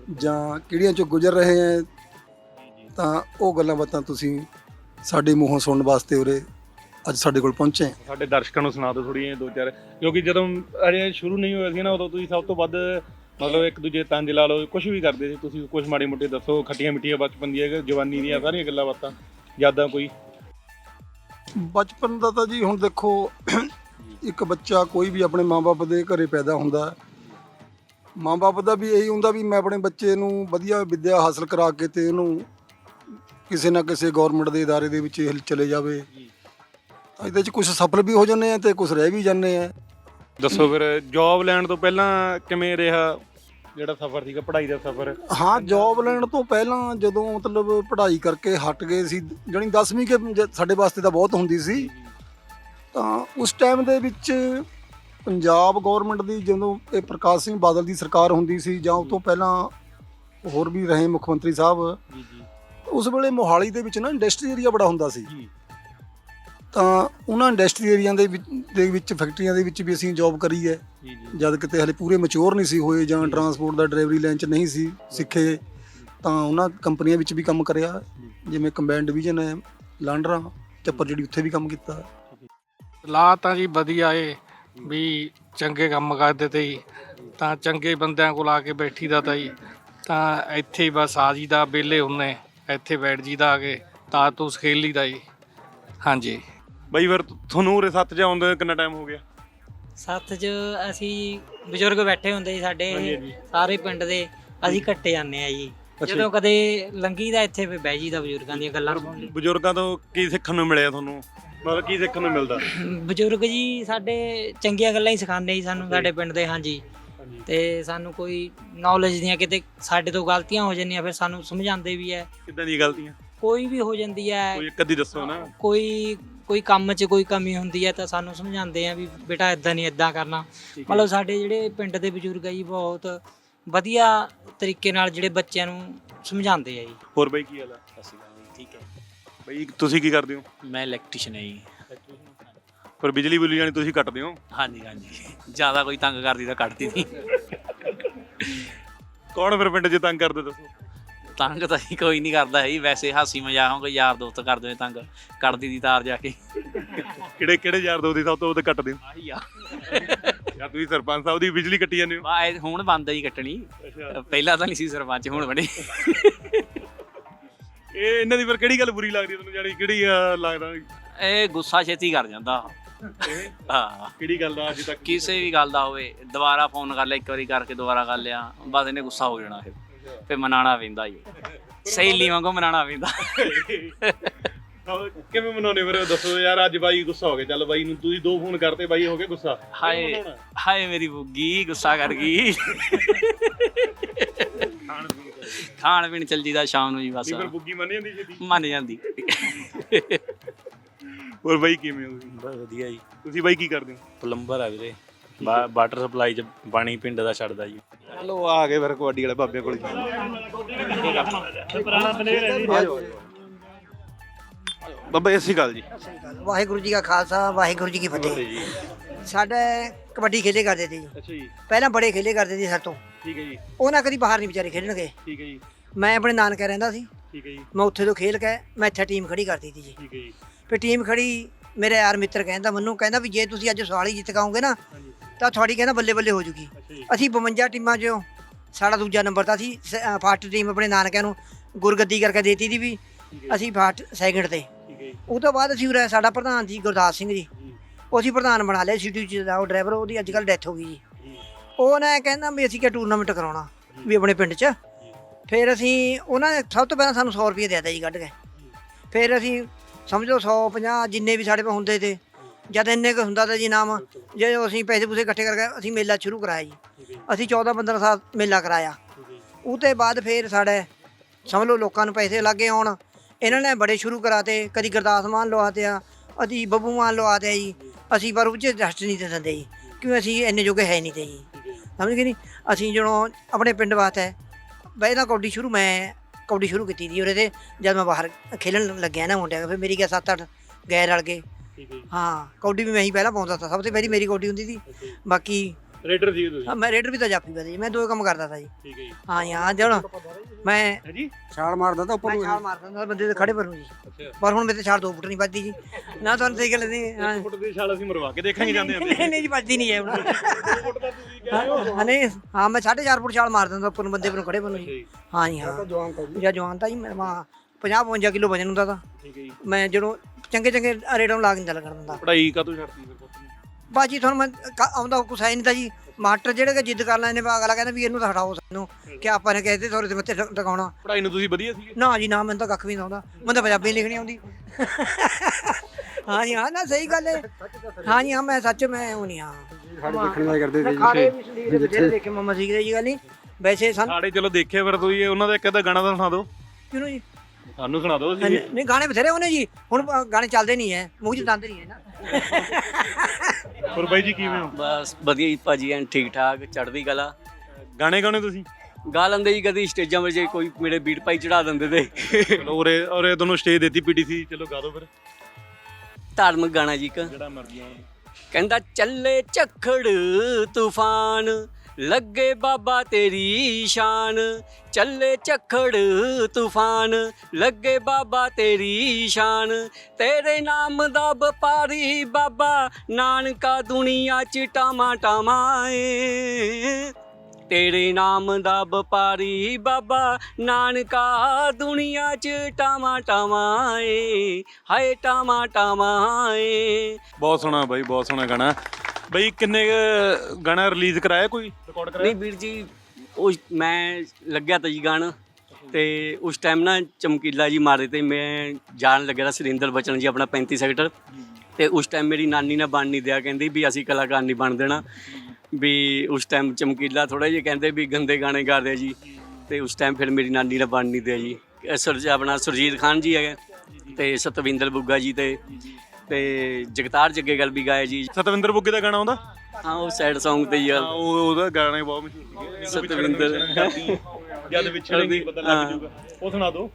Speaker 5: ਜਾਂ ਕਿਹੜੀਆਂ ਚੋਂ ਗੁਜ਼ਰ ਰਹੇ ਹੈ, ਤਾਂ ਉਹ ਗੱਲਾਂ ਬਾਤਾਂ ਤੁਸੀਂ ਸਾਡੇ ਮੂੰਹੋਂ ਸੁਣਨ ਵਾਸਤੇ ਉਰੇ ਅੱਜ ਸਾਡੇ ਕੋਲ ਪਹੁੰਚੇ।
Speaker 1: ਸਾਡੇ ਦਰਸ਼ਕਾਂ ਨੂੰ ਸੁਣਾ ਦਿਓ ਥੋੜ੍ਹੀਆਂ ਦੋ ਚਾਰ, ਕਿਉਂਕਿ ਜਦੋਂ ਅਜੇ ਸ਼ੁਰੂ ਨਹੀਂ ਹੋਇਆ ਸੀ ਨਾ ਉਦੋਂ ਤੁਸੀਂ ਸਭ ਤੋਂ ਵੱਧ ਮਤਲਬ ਇੱਕ ਦੂਜੇ ਤੰਜ ਲਾ ਲਓ, ਕੁਝ ਵੀ ਕਰਦੇ ਸੀ ਤੁਸੀਂ, ਕੁਝ ਮਾੜੀ ਮੋਟੀ ਦੱਸੋ, ਖੱਟੀਆਂ ਮਿੱਠੀਆਂ ਬਚਪਨ ਦੀਆਂ ਜਵਾਨੀ ਦੀਆਂ ਸਾਰੀਆਂ ਗੱਲਾਂ ਬਾਤਾਂ ਯਾਦਾਂ ਕੋਈ।
Speaker 5: ਬਚਪਨ ਦਾ ਤਾਂ ਜੀ ਹੁਣ ਦੇਖੋ ਇੱਕ ਬੱਚਾ ਕੋਈ ਵੀ ਆਪਣੇ ਮਾਂ-ਬਾਪ ਦੇ ਘਰੇ ਪੈਦਾ ਹੁੰਦਾ, ਮਾਂ-ਬਾਪ ਦਾ ਵੀ ਇਹੀ ਹੁੰਦਾ ਵੀ ਮੈਂ ਆਪਣੇ ਬੱਚੇ ਨੂੰ ਵਧੀਆ ਵਿੱਦਿਆ ਹਾਸਲ ਕਰਾ ਕੇ ਤੇ ਉਹਨੂੰ ਕਿਸੇ ਨਾ ਕਿਸੇ ਗਵਰਨਮੈਂਟ ਦੇ ਅਦਾਰੇ ਦੇ ਵਿੱਚ ਇਹ ਚਲੇ ਜਾਵੇ। ਇਹਦੇ 'ਚ ਕੁਝ ਸਫਲ ਵੀ ਹੋ ਜਾਂਦੇ ਆ ਤੇ ਕੁਝ ਰਹਿ ਵੀ ਜਾਂਦੇ ਆ।
Speaker 1: ਦੱਸੋ ਫਿਰ ਜੌਬ ਲੈਣ ਤੋਂ ਪਹਿਲਾਂ ਕਿਵੇਂ ਰਿਹਾ ਜਿਹੜਾ ਸਫ਼ਰ ਸੀਗਾ ਪੜ੍ਹਾਈ ਦਾ ਸਫ਼ਰ?
Speaker 5: ਹਾਂ, ਜੌਬ ਲੈਣ ਤੋਂ ਪਹਿਲਾਂ ਜਦੋਂ ਮਤਲਬ ਪੜ੍ਹਾਈ ਕਰਕੇ ਹਟ ਗਏ ਸੀ, ਜਾਣੀ ਦਸਵੀਂ ਕੇ ਜ- ਸਾਡੇ ਵਾਸਤੇ ਤਾਂ ਬਹੁਤ ਹੁੰਦੀ ਸੀ, ਤਾਂ ਉਸ ਟਾਈਮ ਦੇ ਵਿੱਚ ਪੰਜਾਬ ਗਵਰਨਮੈਂਟ ਦੀ ਜਦੋਂ ਇਹ ਪ੍ਰਕਾਸ਼ ਸਿੰਘ ਬਾਦਲ ਦੀ ਸਰਕਾਰ ਹੁੰਦੀ ਸੀ ਜਾਂ ਉਸ ਤੋਂ ਪਹਿਲਾਂ ਹੋਰ ਵੀ ਰਹੇ ਮੁੱਖ ਮੰਤਰੀ ਸਾਹਿਬ, ਉਸ ਵੇਲੇ ਮੋਹਾਲੀ ਦੇ ਵਿੱਚ ਨਾ ਇੰਡਸਟਰੀ ਏਰੀਆ ਬੜਾ ਹੁੰਦਾ ਸੀ, ਤਾਂ ਉਹਨਾਂ ਇੰਡਸਟਰੀ ਏਰੀਆ ਦੇ ਵਿੱਚ ਦੇ ਵਿੱਚ ਫੈਕਟਰੀਆਂ ਦੇ ਵਿੱਚ ਵੀ ਅਸੀਂ ਜੌਬ ਕਰੀ ਹੈ। ਜਦ ਕਿਤੇ ਹਲੇ ਪੂਰੇ ਮੈਚੁਰ ਨਹੀਂ ਸੀ ਹੋਏ ਜਾਂ ਟਰਾਂਸਪੋਰਟ ਦਾ ਡਰਾਈਵਰੀ ਲਾਈਨ 'ਚ ਨਹੀਂ ਸੀ ਸਿੱਖੇ, ਤਾਂ ਉਹਨਾਂ ਕੰਪਨੀਆਂ ਵਿੱਚ ਵੀ ਕੰਮ ਕਰਿਆ, ਜਿਵੇਂ ਕੰਬਾਈਨ ਡਿਵੀਜ਼ਨ ਹੈ, ਲਾਂਡਰਾ, ਚੱਪਰ ਜਿਹੜੀ, ਉੱਥੇ ਵੀ ਕੰਮ ਕੀਤਾ।
Speaker 4: ਲਾ ਤਾਂ ਜੀ ਵਧੀਆ ਏ ਵੀ ਚੰਗੇ ਕੰਮ ਕਰਦੇ ਤੇ ਜੀ, ਤਾਂ ਚੰਗੇ ਬੰਦਿਆਂ ਕੋਲ ਆ ਕੇ ਬੈਠੀ ਦਾ ਤਾਂ ਜੀ, ਤਾਂ ਇੱਥੇ ਹੀ ਬਸ ਆ ਜੀ ਦਾ ਵਿਹਲੇ ਹੁੰਨੇ, ਇੱਥੇ ਬੈਠ ਜੀ ਦਾ ਆ ਕੇ ਤਾਂ ਤੂੰ ਖੇਲੀ ਦਾ ਜੀ। ਹਾਂਜੀ
Speaker 1: ਬਈ ਫਿਰ ਤੁਹਾਨੂੰ ਉਰੇ ਸੱਤ 'ਚ ਆਉਂਦੇ ਕਿੰਨਾ ਟਾਈਮ ਹੋ ਗਿਆ?
Speaker 9: ਸੱਥ 'ਚ ਅਸੀਂ ਬਜ਼ੁਰਗ ਬੈਠੇ ਹੁੰਦੇ ਸੀ ਸਾਡੇ ਸਾਰੇ ਪਿੰਡ ਦੇ, ਅਸੀਂ ਇਕੱਠੇ ਜਾਂਦੇ ਆ ਜੀ। ਜਦੋਂ ਕਦੇ ਲੰਗੀ ਦਾ ਇੱਥੇ ਫਿਰ ਬਹਿ ਜੀ ਦਾ ਬਜ਼ੁਰਗਾਂ ਦੀਆਂ ਗੱਲਾਂ ਸੁਣ ਲਈ।
Speaker 1: ਬਜ਼ੁਰਗਾਂ ਤੋਂ ਕੀ ਸਿੱਖਣ ਨੂੰ ਮਿਲਿਆ ਤੁਹਾਨੂੰ, ਮਤਲਬ ਕੀ ਸਿੱਖਣ ਨੂੰ ਮਿਲਦਾ?
Speaker 9: ਬਜ਼ੁਰਗ ਜੀ ਸਾਡੇ ਚੰਗੀਆਂ ਗੱਲਾਂ ਹੀ ਸਿਖਾਉਂਦੇ ਸੀ ਸਾਨੂੰ ਸਾਡੇ ਪਿੰਡ ਦੇ। ਹਾਂਜੀ, ਤੇ ਸਾਨੂੰ ਕੋਈ ਨੌਲੇਜ ਦੀਆਂ ਕਿਤੇ ਸਾਡੇ ਤੋਂ ਗਲਤੀਆਂ ਹੋ ਜਾਂਦੀਆਂ ਫਿਰ ਸਾਨੂੰ ਸਮਝਾਉਂਦੇ ਵੀ ਹੈ।
Speaker 1: ਕਿੱਦਾਂ ਦੀਆਂ ਗਲਤੀਆਂ?
Speaker 9: ਕੋਈ ਵੀ ਹੋ ਜਾਂਦੀ ਹੈ,
Speaker 1: ਕੋਈ ਇੱਕ ਅੱਧੀ ਦੱਸੋ ਨਾ।
Speaker 9: ਕੋਈ ਕੋਈ ਕੰਮ 'ਚ ਕੋਈ ਕਮੀ ਹੁੰਦੀ ਹੈ ਤਾਂ ਸਾਨੂੰ ਸਮਝਾਉਂਦੇ ਆ ਵੀ ਬੇਟਾ ਇਦਾਂ ਨਹੀਂ ਇਦਾਂ ਕਰਨਾ। ਮਤਲਬ ਸਾਡੇ ਜਿਹੜੇ ਪਿੰਡ ਦੇ ਬਜ਼ੁਰਗ ਆ ਜੀ ਬਹੁਤ ਵਧੀਆ ਤਰੀਕੇ ਨਾਲ ਜਿਹੜੇ ਬੱਚਿਆਂ ਨੂੰ ਸਮਝਾਉਂਦੇ ਆ ਜੀ।
Speaker 1: ਹੋਰ ਬਈ ਕੀ ਹਾਲ ਆ?
Speaker 3: ਸਤਿ ਸ਼੍ਰੀ ਅਕਾਲ ਜੀ, ਠੀਕ ਹੈ।
Speaker 1: ਬਈ ਤੁਸੀਂ ਕੀ ਕਰਦੇ ਹੋ?
Speaker 3: ਮੈਂ ਇਲੈਕਟ੍ਰੀਸ਼ੀਅਨ ਹਾਂ ਜੀ।
Speaker 1: ਪਰ ਬਿਜਲੀ ਬੁਲੀ ਜਾਣੀ ਤੁਸੀਂ ਕੱਟਦੇ ਹੋ?
Speaker 3: ਹਾਂਜੀ ਹਾਂਜੀ, ਜ਼ਿਆਦਾ ਕੋਈ ਤੰਗ ਕਰਦੀ ਤਾਂ ਕੱਟਦੀ ਨਹੀਂ।
Speaker 1: ਕੌਣ ਫਿਰ ਪਿੰਡ 'ਚ ਤੰਗ ਕਰਦੇ ਦੱਸੋ?
Speaker 3: ਤੰਗ ਤਾਂ ਜੀ ਕੋਈ ਨਹੀਂ ਕਰਦਾ ਹੈ ਜੀ, ਵੈਸੇ ਹਾਸੀ ਮਜ਼ਾਕ ਹੋ ਕੋਈ ਯਾਰ ਦੋਸਤ ਕਰਦੇ ਨੇ ਤੰਗ, ਕੱਢਦੀ ਦੀ ਤਾਰ ਜਾ ਕੇ।
Speaker 1: ਕਿਹੜੇ ਕਿਹੜੇ ਯਾਰ ਦੋਸਤ ਦੀ ਸਭ ਤੋਂ ਵੱਧ ਕੱਟਦੇ ਹੋ?
Speaker 3: ਆਹੀ ਆ
Speaker 1: ਯਾਰ ਤੁਸੀਂ ਸਰਪੰਚ ਸਾਹਿਬ ਦੀ ਬਿਜਲੀ ਕੱਟੀ ਜਾਂਦੇ ਹੋ?
Speaker 3: ਬਾ ਇਹ ਹੁਣ ਬੰਦ ਹੀ ਕੱਟਣੀ, ਪਹਿਲਾਂ ਤਾਂ ਨਹੀਂ ਸੀ ਸਰਪੰਚ, ਹੁਣ ਬਣੇ।
Speaker 1: ਇਹ ਇਹਨਾਂ ਦੀ ਫਿਰ ਕਿਹੜੀ ਗੱਲ ਬੁਰੀ ਲੱਗਦੀ ਤੁਹਾਨੂੰ, ਜਾਨੀ ਕਿਹੜੀ ਆ ਲੱਗਦਾ?
Speaker 3: ਇਹ ਗੁੱਸਾ ਛੇਤੀ ਕਰ ਜਾਂਦਾ। ਹਾਂ,
Speaker 1: ਕਿਹੜੀ ਗੱਲ ਦਾ ਅੱਜ ਤੱਕ?
Speaker 3: ਕਿਸੇ ਵੀ ਗੱਲ ਦਾ ਹੋਵੇ, ਦੁਬਾਰਾ ਫੋਨ ਕਰ ਲਿਆ, ਇੱਕ ਵਾਰੀ ਕਰਕੇ ਦੁਬਾਰਾ ਕਰ ਲਿਆ, ਬਸ ਇਹਨੇ ਗੁੱਸਾ ਹੋ ਜਾਣਾ। ਫਿਰ ਫਿਰ ਮਨਾਉਣਾ ਪੈਂਦਾ ਜੀ, ਸਹੇਲੀ ਵਾਂਗੂ ਮਨਾਉਣਾ ਪੈਂਦਾ।
Speaker 1: ਕਿਵੇਂ ਮਨਾਉਣੇ ਫਿਰ ਦੱਸੋ ਯਾਰ? ਅੱਜ ਬਾਈ ਗੁੱਸਾ ਹੋ ਗਿਆ, ਚੱਲ ਬਾਈ ਨੂੰ ਤੁਸੀਂ ਦੋ ਫੋਨ ਕਰਤੇ, ਬਾਈ ਹੋ ਗਿਆ ਗੁੱਸਾ।
Speaker 3: ਹਾਏ ਹਾਏ ਮੇਰੀ ਬੁੱਗੀ ਗੁੱਸਾ ਕਰ ਗਈ। ਖਾਣ ਪੀਣ ਚੱਲ ਜੀਦਾ ਸ਼ਾਮ ਨੂੰ ਜੀ, ਬਸ
Speaker 1: ਫਿਰ ਬੁੱਗੀ ਮੰਨ ਜਾਂਦੀ ਛੇਤੀ?
Speaker 3: ਮੰਨ ਜਾਂਦੀ।
Speaker 1: ਹੋਰ ਬਾਈ ਕਿਵੇਂ ਹੋ ਤੁਸੀਂ?
Speaker 10: ਬਸ ਵਧੀਆ ਜੀ।
Speaker 1: ਤੁਸੀਂ ਬਾਈ ਕੀ ਕਰਦੇ ਹੋ?
Speaker 10: ਪਲੰਬਰ ਆ ਵੀਰੇ, ਵਾ- ਵਾਟਰ ਸਪਲਾਈ ਚ ਪਾਣੀ ਪਿੰਡ ਦਾ ਛੱਡਦਾ ਜੀ।
Speaker 1: ਚਲੋ ਆ ਗਏ ਫਿਰ ਕਬੱਡੀ ਵਾਲੇ ਬਾਬੇ ਕੋਲ। ਬਾਬਾ ਸਤਿ ਸ਼੍ਰੀ ਅਕਾਲ ਜੀ।
Speaker 7: ਵਾਹਿਗੁਰੂ ਜੀ ਕਾ ਖਾਲਸਾ ਵਾਹਿਗੁਰੂ ਜੀ ਕੀ ਫਤਿਹ। ਸਾਡੇ ਕਬੱਡੀ ਖੇਲੇ ਕਰਦੇ ਸੀ ਜੀ,
Speaker 1: ਅੱਛਾ ਜੀ,
Speaker 7: ਪਹਿਲਾਂ ਬੜੇ ਖੇਲੇ ਕਰਦੇ ਸੀ ਸਾਡੇ ਤੋਂ।
Speaker 1: ਠੀਕ ਹੈ ਜੀ,
Speaker 7: ਉਹਨਾਂ ਕਦੀ ਬਾਹਰ ਨਹੀਂ ਵਿਚਾਰੇ ਖੇਡਣ ਗਏ।
Speaker 1: ਠੀਕ ਹੈ ਜੀ,
Speaker 7: ਮੈਂ ਆਪਣੇ ਨਾਨਕੇ ਰਹਿੰਦਾ ਸੀ,
Speaker 1: ਠੀਕ ਹੈ ਜੀ,
Speaker 7: ਮੈਂ ਉੱਥੇ ਤੋਂ ਖੇਲ ਕੇ ਮੈਂ ਇੱਥੇ ਟੀਮ ਖੜੀ ਕਰਦੀ ਸੀ ਜੀ।
Speaker 1: ਠੀਕ ਹੈ ਜੀ,
Speaker 7: ਫਿਰ ਟੀਮ ਖੜੀ, ਮੇਰੇ ਯਾਰ ਮਿੱਤਰ ਕਹਿੰਦਾ ਮੈਨੂੰ, ਕਹਿੰਦਾ ਵੀ ਜੇ ਤੁਸੀਂ ਅੱਜ ਸਵਾਲੀ ਜਿੱਤ ਕਾਉਂਗੇ ਨਾ ਤਾਂ ਤੁਹਾਡੀ ਕਹਿੰਦਾ ਬੱਲੇ ਬੱਲੇ ਹੋ ਜੂਗੀ। ਅਸੀਂ ਬਵੰਜਾ ਟੀਮਾਂ 'ਚੋਂ ਸਾਡਾ ਦੂਜਾ ਨੰਬਰ ਤਾਂ ਸੀ। ਫਸਟ ਟੀਮ ਆਪਣੇ ਨਾਨਕਿਆਂ ਨੂੰ ਗੁਰਗੱਦੀ ਕਰਕੇ ਦੇਤੀ ਦੀ ਵੀ, ਅਸੀਂ ਫਸਟ ਸੈਕਿੰਡ ਤੇ। ਉਹ ਤੋਂ ਬਾਅਦ ਅਸੀਂ ਉਰੇ ਸਾਡਾ ਪ੍ਰਧਾਨ ਜੀ ਗੁਰਦਾਸ ਸਿੰਘ ਜੀ, ਉਹ ਅਸੀਂ ਪ੍ਰਧਾਨ ਬਣਾ ਲਿਆ ਸਿਟੀ 'ਚ ਦਾ, ਉਹ ਡਰਾਈਵਰ, ਉਹਦੀ ਅੱਜ ਕੱਲ੍ਹ ਡੈਥ ਹੋ ਗਈ ਜੀ। ਉਹ ਨਾ ਕਹਿੰਦਾ ਵੀ ਅਸੀਂ ਕਿਆ ਟੂਰਨਾਮੈਂਟ ਕਰਾਉਣਾ ਵੀ ਆਪਣੇ ਪਿੰਡ 'ਚ। ਫਿਰ ਅਸੀਂ ਉਹਨਾਂ ਨੇ ਸਭ ਤੋਂ ਪਹਿਲਾਂ ਸਾਨੂੰ ਸੌ ਰੁਪਏ ਦੇ ਦਿੱਤਾ ਜੀ ਕੱਢ ਕੇ। ਫਿਰ ਅਸੀਂ ਸਮਝੋ ਸੌ ਪੰਜਾਹ ਜਿੰਨੇ ਵੀ ਸਾਡੇ ਕੋਲ ਹੁੰਦੇ ਤੇ, ਜਦ ਇੰਨੇ ਕੁ ਹੁੰਦਾ ਤਾਂ ਜੀ ਨਾਮ, ਜੇ ਅਸੀਂ ਪੈਸੇ ਪੂਸੇ ਇਕੱਠੇ ਕਰਕੇ ਅਸੀਂ ਮੇਲਾ ਸ਼ੁਰੂ ਕਰਾਇਆ ਜੀ। ਅਸੀਂ ਚੌਦਾਂ ਪੰਦਰਾਂ ਸਾਲ ਮੇਲਾ ਕਰਾਇਆ। ਉਹ ਤੋਂ ਬਾਅਦ ਫਿਰ ਸਾਡੇ ਸਮਝ ਲਓ ਲੋਕਾਂ ਨੂੰ ਪੈਸੇ ਲੱਗੇ ਆਉਣ, ਇਹਨਾਂ ਨੇ ਬੜੇ ਸ਼ੁਰੂ ਕਰਾਤੇ। ਕਦੀ ਗੁਰਦਾਸ ਮਾਨ ਲਵਾਤੇ ਆ, ਅਸੀਂ ਬੱਬੂ ਮਾਨ ਲਵਾਤੇ ਜੀ। ਅਸੀਂ ਪਰ ਉਹ 'ਚ ਰੈਸਟ ਨਹੀਂ ਦੇ ਦਿੰਦੇ ਜੀ, ਕਿਉਂ ਅਸੀਂ ਇੰਨੇ ਜੋਗੇ ਹੈ ਨਹੀਂ ਤੇ ਜੀ, ਸਮਝ ਗਏ ਨਹੀਂ। ਅਸੀਂ ਜਦੋਂ ਆਪਣੇ ਪਿੰਡ ਵਾਸਤੇ ਬਈ ਨਾ ਕਬੱਡੀ ਸ਼ੁਰੂ, ਮੈਂ ਕਬੱਡੀ ਸ਼ੁਰੂ ਕੀਤੀ ਸੀ ਉਰੇ ਤੇ ਜਦ ਮੈਂ ਬਾਹਰ ਖੇਲਣ ਲੱਗਿਆ ਨਾ ਮੁੰਡਿਆਂ। ਫਿਰ ਮੇਰੀ ਗਿਆ ਸੱਤ ਅੱਠ ਗਏ ਰਲ ਗਏ। ਹਾਂ, ਕਬੱਡੀ ਵੀ ਮੈਂ ਹੀ ਪਹਿਲਾਂ ਪਾਉਂਦਾ ਸੀ, ਸਭ ਤੋਂ ਪਹਿਲੀ ਮੇਰੀ ਕਬੱਡੀ ਹੁੰਦੀ ਸੀ। ਬਾਕੀ
Speaker 1: ਰੇਡਰ ਸੀ ਤੁਸੀਂ?
Speaker 7: ਹਾਂ, ਮੈਂ ਰੇਡਰ ਵੀ ਤਾਂ ਜਾਫੀ ਵੀ ਜੀ, ਮੈਂ ਦੋ ਕੰਮ ਕਰਦਾ ਤਾ ਜੀ।
Speaker 1: ਠੀਕ ਹੈ ਜੀ।
Speaker 7: ਹਾਂ ਜੀ ਹਾਂ, ਹੁਣ ਮੈਂ
Speaker 1: ਹੈ ਜੀ।
Speaker 6: ਛਾਲ ਮਾਰਦਾ ਤਾਂ ਉੱਪਰ
Speaker 7: ਮੈਂ
Speaker 6: ਨੂੰ
Speaker 7: ਛਾਲ ਮਾਰ ਦਿੰਦਾ ਬੰਦੇ ਦੇ ਖੜੇ ਪਰ ਨੂੰ ਜੀ,
Speaker 1: ਅੱਛਾ
Speaker 7: ਪਰ ਹੁਣ ਮੇਰੇ ਤੇ ਛਾਲ ਦੋ ਫੁੱਟ ਨਹੀਂ ਵੱਜਦੀ ਜੀ ਨਾ, ਤੁਹਾਨੂੰ ਸਹੀ ਗੱਲ ਨਹੀਂ। ਹਾਂ
Speaker 1: ਫੁੱਟ ਦੀ ਛਾਲ ਅਸੀਂ ਮਰਵਾ ਕੇ ਦੇਖਾਂਗੇ ਜਾਂਦੇ ਜਾਂਦੇ।
Speaker 7: ਨਹੀਂ ਨਹੀਂ ਜੀ, ਵੱਜਦੀ ਨਹੀਂ ਹੈ ਹੁਣ।
Speaker 1: ਫੁੱਟ ਦਾ ਤੁਸੀਂ ਕਹਿ ਰਹੇ ਹੋ।
Speaker 7: ਹਾਂ ਨਹੀਂ, ਹਾਂ ਮੈਂ ਸਾਢੇ ਚਾਰ ਫੁੱਟ ਛਾਲ ਮਾਰ ਦਿੰਦਾ ਉੱਪਰ ਨੂੰ ਬੰਦੇ ਪਰ ਨੂੰ ਖੜੇ ਪਰ ਨੂੰ ਜੀ। ਹਾਂ ਜੀ ਹਾਂ,
Speaker 6: ਜਵਾਨ ਤਾਂ ਜੀ
Speaker 7: ਜਾਂ ਜਵਾਨ ਤਾਂ ਜੀ ਮੈਂ ਪੰਜਾਹ ਪਚਵੰਜਾ ਕਿਲੋ ਵਜਨ ਹੁੰਦਾ ਤਾਂ
Speaker 1: ਠੀਕ ਹੈ ਜੀ।
Speaker 7: ਮੈਂ ਜਦੋਂ ਚੰਗੇ ਚੰਗੇ ਰੇਡਾਂ ਨੂੰ ਲਾ ਕੇ ਚੱਲ ਕਰ ਦਿੰਦਾ।
Speaker 1: ਪੜਾਈ ਕਾਹਤੋਂ ਛੱਡਤੀ ਫਿਰ ਪੁੱਤ ਨੇ?
Speaker 7: ਬਾਜੀ ਤੁਹਾਨੂੰ ਮੈਂ ਕ- ਆਉਂਦਾ ਕੁਛ ਹੈ ਨਹੀਂ ਤਾਂ ਜੀ, ਮਾਸਟਰ ਜਿਹੜੇ ਕਿ ਜਿੱਦ ਕਰ ਲੈਂਦੇ ਨੇ, ਅਗਲਾ ਕਹਿੰਦਾ ਵੀ ਇਹਨੂੰ ਤਾਂ ਹਟਾਓ ਸਾਨੂੰ, ਕਿ ਆਪਾਂ ਨੇ ਕਹਿੰਦੇ ਥੋੜੇ ਤੇ ਮੱਥੇ ਟਿਕ- ਟਿਕਾਉਣਾ।
Speaker 1: ਪੜਾਈ ਨੂੰ ਤੁਸੀਂ ਵਧੀਆ ਸੀਗੇ?
Speaker 7: ਨਾ ਜੀ ਨਾ, ਮੈਨੂੰ ਤਾਂ ਕੱਖ ਵੀ ਨਹੀਂ ਆਉਂਦਾ, ਮੈਨੂੰ ਤਾਂ ਪੰਜਾਬੀ ਲਿਖਣੀ ਆਉਂਦੀ। ਹਾਂ ਜੀ ਹਾਂ, ਨਾ ਸਹੀ ਗੱਲ ਹੈ। ਹਾਂ ਜੀ ਹਾਂ, ਮੈਂ ਸੱਚ ਮੈਂ ਉਹ ਨਹੀਂ ਹਾਂ
Speaker 6: ਸਾਡੇ ਦੇਖਣ ਦਾ ਕਰਦੇ ਸੀ
Speaker 7: ਖਾੜੇ ਵੀ ਸਲੀਰ ਦੇ ਬਥੇਰੇ ਦੇਖੇ ਮਮਾ ਸਿੱਖਦੇ ਜੀ, ਗੱਲ ਨਹੀਂ ਵੈਸੇ ਸਾਨੂੰ
Speaker 1: ਸਾਡੇ ਚਲੋ ਦੇਖਿਆ ਫਿਰ ਤੁਸੀਂ ਉਹਨਾਂ ਦਾ ਇੱਕ ਅੱਧਾ ਗਾਣਾ ਤਾਂ ਸੁਣਾ ਦਿਓ
Speaker 7: ਕਿਉਂ ਜੀ।
Speaker 1: ਸਾਨੂੰ, ਸੁਣਾ ਦਿਓ
Speaker 7: ਨਹੀਂ
Speaker 1: ਅਸੀਂ।
Speaker 7: ਨਹੀਂ, ਗਾਣੇ ਬਥੇਰੇ ਉਹਨੇ ਜੀ, ਹੁਣ ਅ, ਗਾਣੇ ਚੱਲਦੇ ਨਹੀਂ ਹੈ, ਮੂੰਹ 'ਚ ਦੰਦ ਨਹੀਂ ਹੈ ਨਾ।
Speaker 1: ਹੋਰ ਬਾਈ ਜੀ ਕਿਵੇਂ ਹੋ?
Speaker 3: ਬਸ ਵਧੀਆ ਜੀ ਭਾਜੀ, ਐਨ ਠੀਕ ਠਾਕ ਚੜ੍ਹਦੀ ਕਲਾ।
Speaker 1: ਗਾਣੇ ਗਾਣੇ ਤੁਸੀਂ?
Speaker 3: ਗਾ ਲੈਂਦੇ ਜੀ, ਕਦੀ ਸਟੇਜਾਂ 'ਤੇ ਜੇ ਕੋਈ ਮੇਰੇ ਬੀਟ ਪਾਈ ਚੜਾ ਦਿੰਦੇ ਤੇ।
Speaker 1: ਚਲੋ ਉਰੇ ਉਰੇ ਤੁਹਾਨੂੰ ਸਟੇਜ ਦਿੱਤੀ ਪੀਟੀਸੀ, ਚਲੋ ਗਾ ਦਿਓ ਫਿਰ
Speaker 3: ਧਾਰਮਿਕ ਗਾਣਾ ਜੀ ਇੱਕ,
Speaker 1: ਜਿਹੜਾ ਮਰਜ਼ੀ ਆਉਣ।
Speaker 3: ਕਹਿੰਦਾ ਚੱਲੇ ਝੱਖੜ ਤੂਫਾਨ, ਲੱਗੇ ਬਾਬਾ ਤੇਰੀ ਸ਼ਾਨ, ਚੱਲੇ ਝੱਖੜ ਤੂਫਾਨ, ਲੱਗੇ ਬਾਬਾ ਤੇਰੀ ਸ਼ਾਨ, ਤੇਰੇ ਨਾਮ ਦਾ ਵਪਾਰੀ ਬਾਬਾ ਨਾਨਕਾ ਦੁਨੀਆ 'ਚ ਟਾਮਾ ਟਾਮਾ ਏ, ਤੇਰੇ ਨਾਮ ਦਾ ਵਪਾਰੀ ਬਾਬਾ ਨਾਨਕਾ ਦੁਨੀਆ 'ਚ ਟਾਮਾ ਟਾਮਾ ਏ, ਹਾਏ ਟਾਮਾ ਟਾਮਾ ਏ।
Speaker 1: ਬਹੁਤ ਸੋਹਣਾ ਬਾਈ, ਬਹੁਤ ਸੋਹਣਾ ਗਾਣਾ। ਬਈ ਕਿੰਨੇ ਕੁ ਗਾਣਾ ਰਿਲੀਜ਼ ਕਰਾਇਆ, ਕੋਈ ਰਿਕਾਰਡ ਕਰਾਇਆ?
Speaker 3: ਨਹੀਂ ਵੀਰ ਜੀ, ਉਹ ਮੈਂ ਲੱਗਿਆ ਤਾਂ ਜੀ ਗਾਣਾ, ਤੇ ਉਸ ਟਾਈਮ ਨਾ ਚਮਕੀਲਾ ਜੀ ਮਾਰੇ ਤੇ ਮੈਂ ਜਾਣ ਲੱਗਿਆ ਤਾਂ ਸੁਰਿੰਦਰ ਬਚਨ ਜੀ ਆਪਣਾ ਪੈਂਤੀ ਸੈਕਟਰ, ਤੇ ਉਸ ਟਾਈਮ ਮੇਰੀ ਨਾਨੀ ਨੇ ਬਣ ਨਹੀਂ ਦਿਆ, ਕਹਿੰਦੀ ਵੀ ਅਸੀਂ ਕਲਾਕਾਰ ਨਹੀਂ ਬਣ ਦੇਣਾ, ਵੀ ਉਸ ਟਾਈਮ ਚਮਕੀਲਾ ਥੋੜਾ ਜਿਹਾ ਕਹਿੰਦੇ ਵੀ ਗੰਦੇ ਗਾਣੇ ਗਾਦੇ ਆ ਜੀ, ਤੇ ਉਸ ਟਾਈਮ ਫਿਰ ਮੇਰੀ ਨਾਨੀ ਨੇ ਬਣ ਨਹੀਂ ਦਿਆ ਜੀ। ਸੁਰ ਆਪਣਾ ਸੁਰਜੀਤ ਖਾਨ ਜੀ ਹੈਗੇ, ਤੇ ਸਤਵਿੰਦਰ ਬੁੱਗਾ ਜੀ, ਤੇ ਤੇ ਜਗਤਾਰ ਜੱਗੇਗਲ ਵੀ ਗਾਏ ਜੀ।
Speaker 1: ਸਤਵਿੰਦਰ ਬੁੱਗੇ ਦਾ ਗਾਣਾ ਆਉਂਦਾ?
Speaker 3: ਹਾਂ, ਉਹ ਸੈਡ Song ਤੇ ਹੀ ਆ।
Speaker 1: ਹਾਂ, ਉਹ ਉਹਦਾ ਗਾਣੇ ਬਹੁਤ ਮਸ਼ਹੂਰ ਸੀਗੇ।
Speaker 3: ਸਤਵਿੰਦਰ
Speaker 1: ਜਦ ਵਿਛੜਦੀ ਪਤਾ ਲੱਗ ਜੂਗਾ, ਉਹ ਸੁਣਾ ਦਿਓ।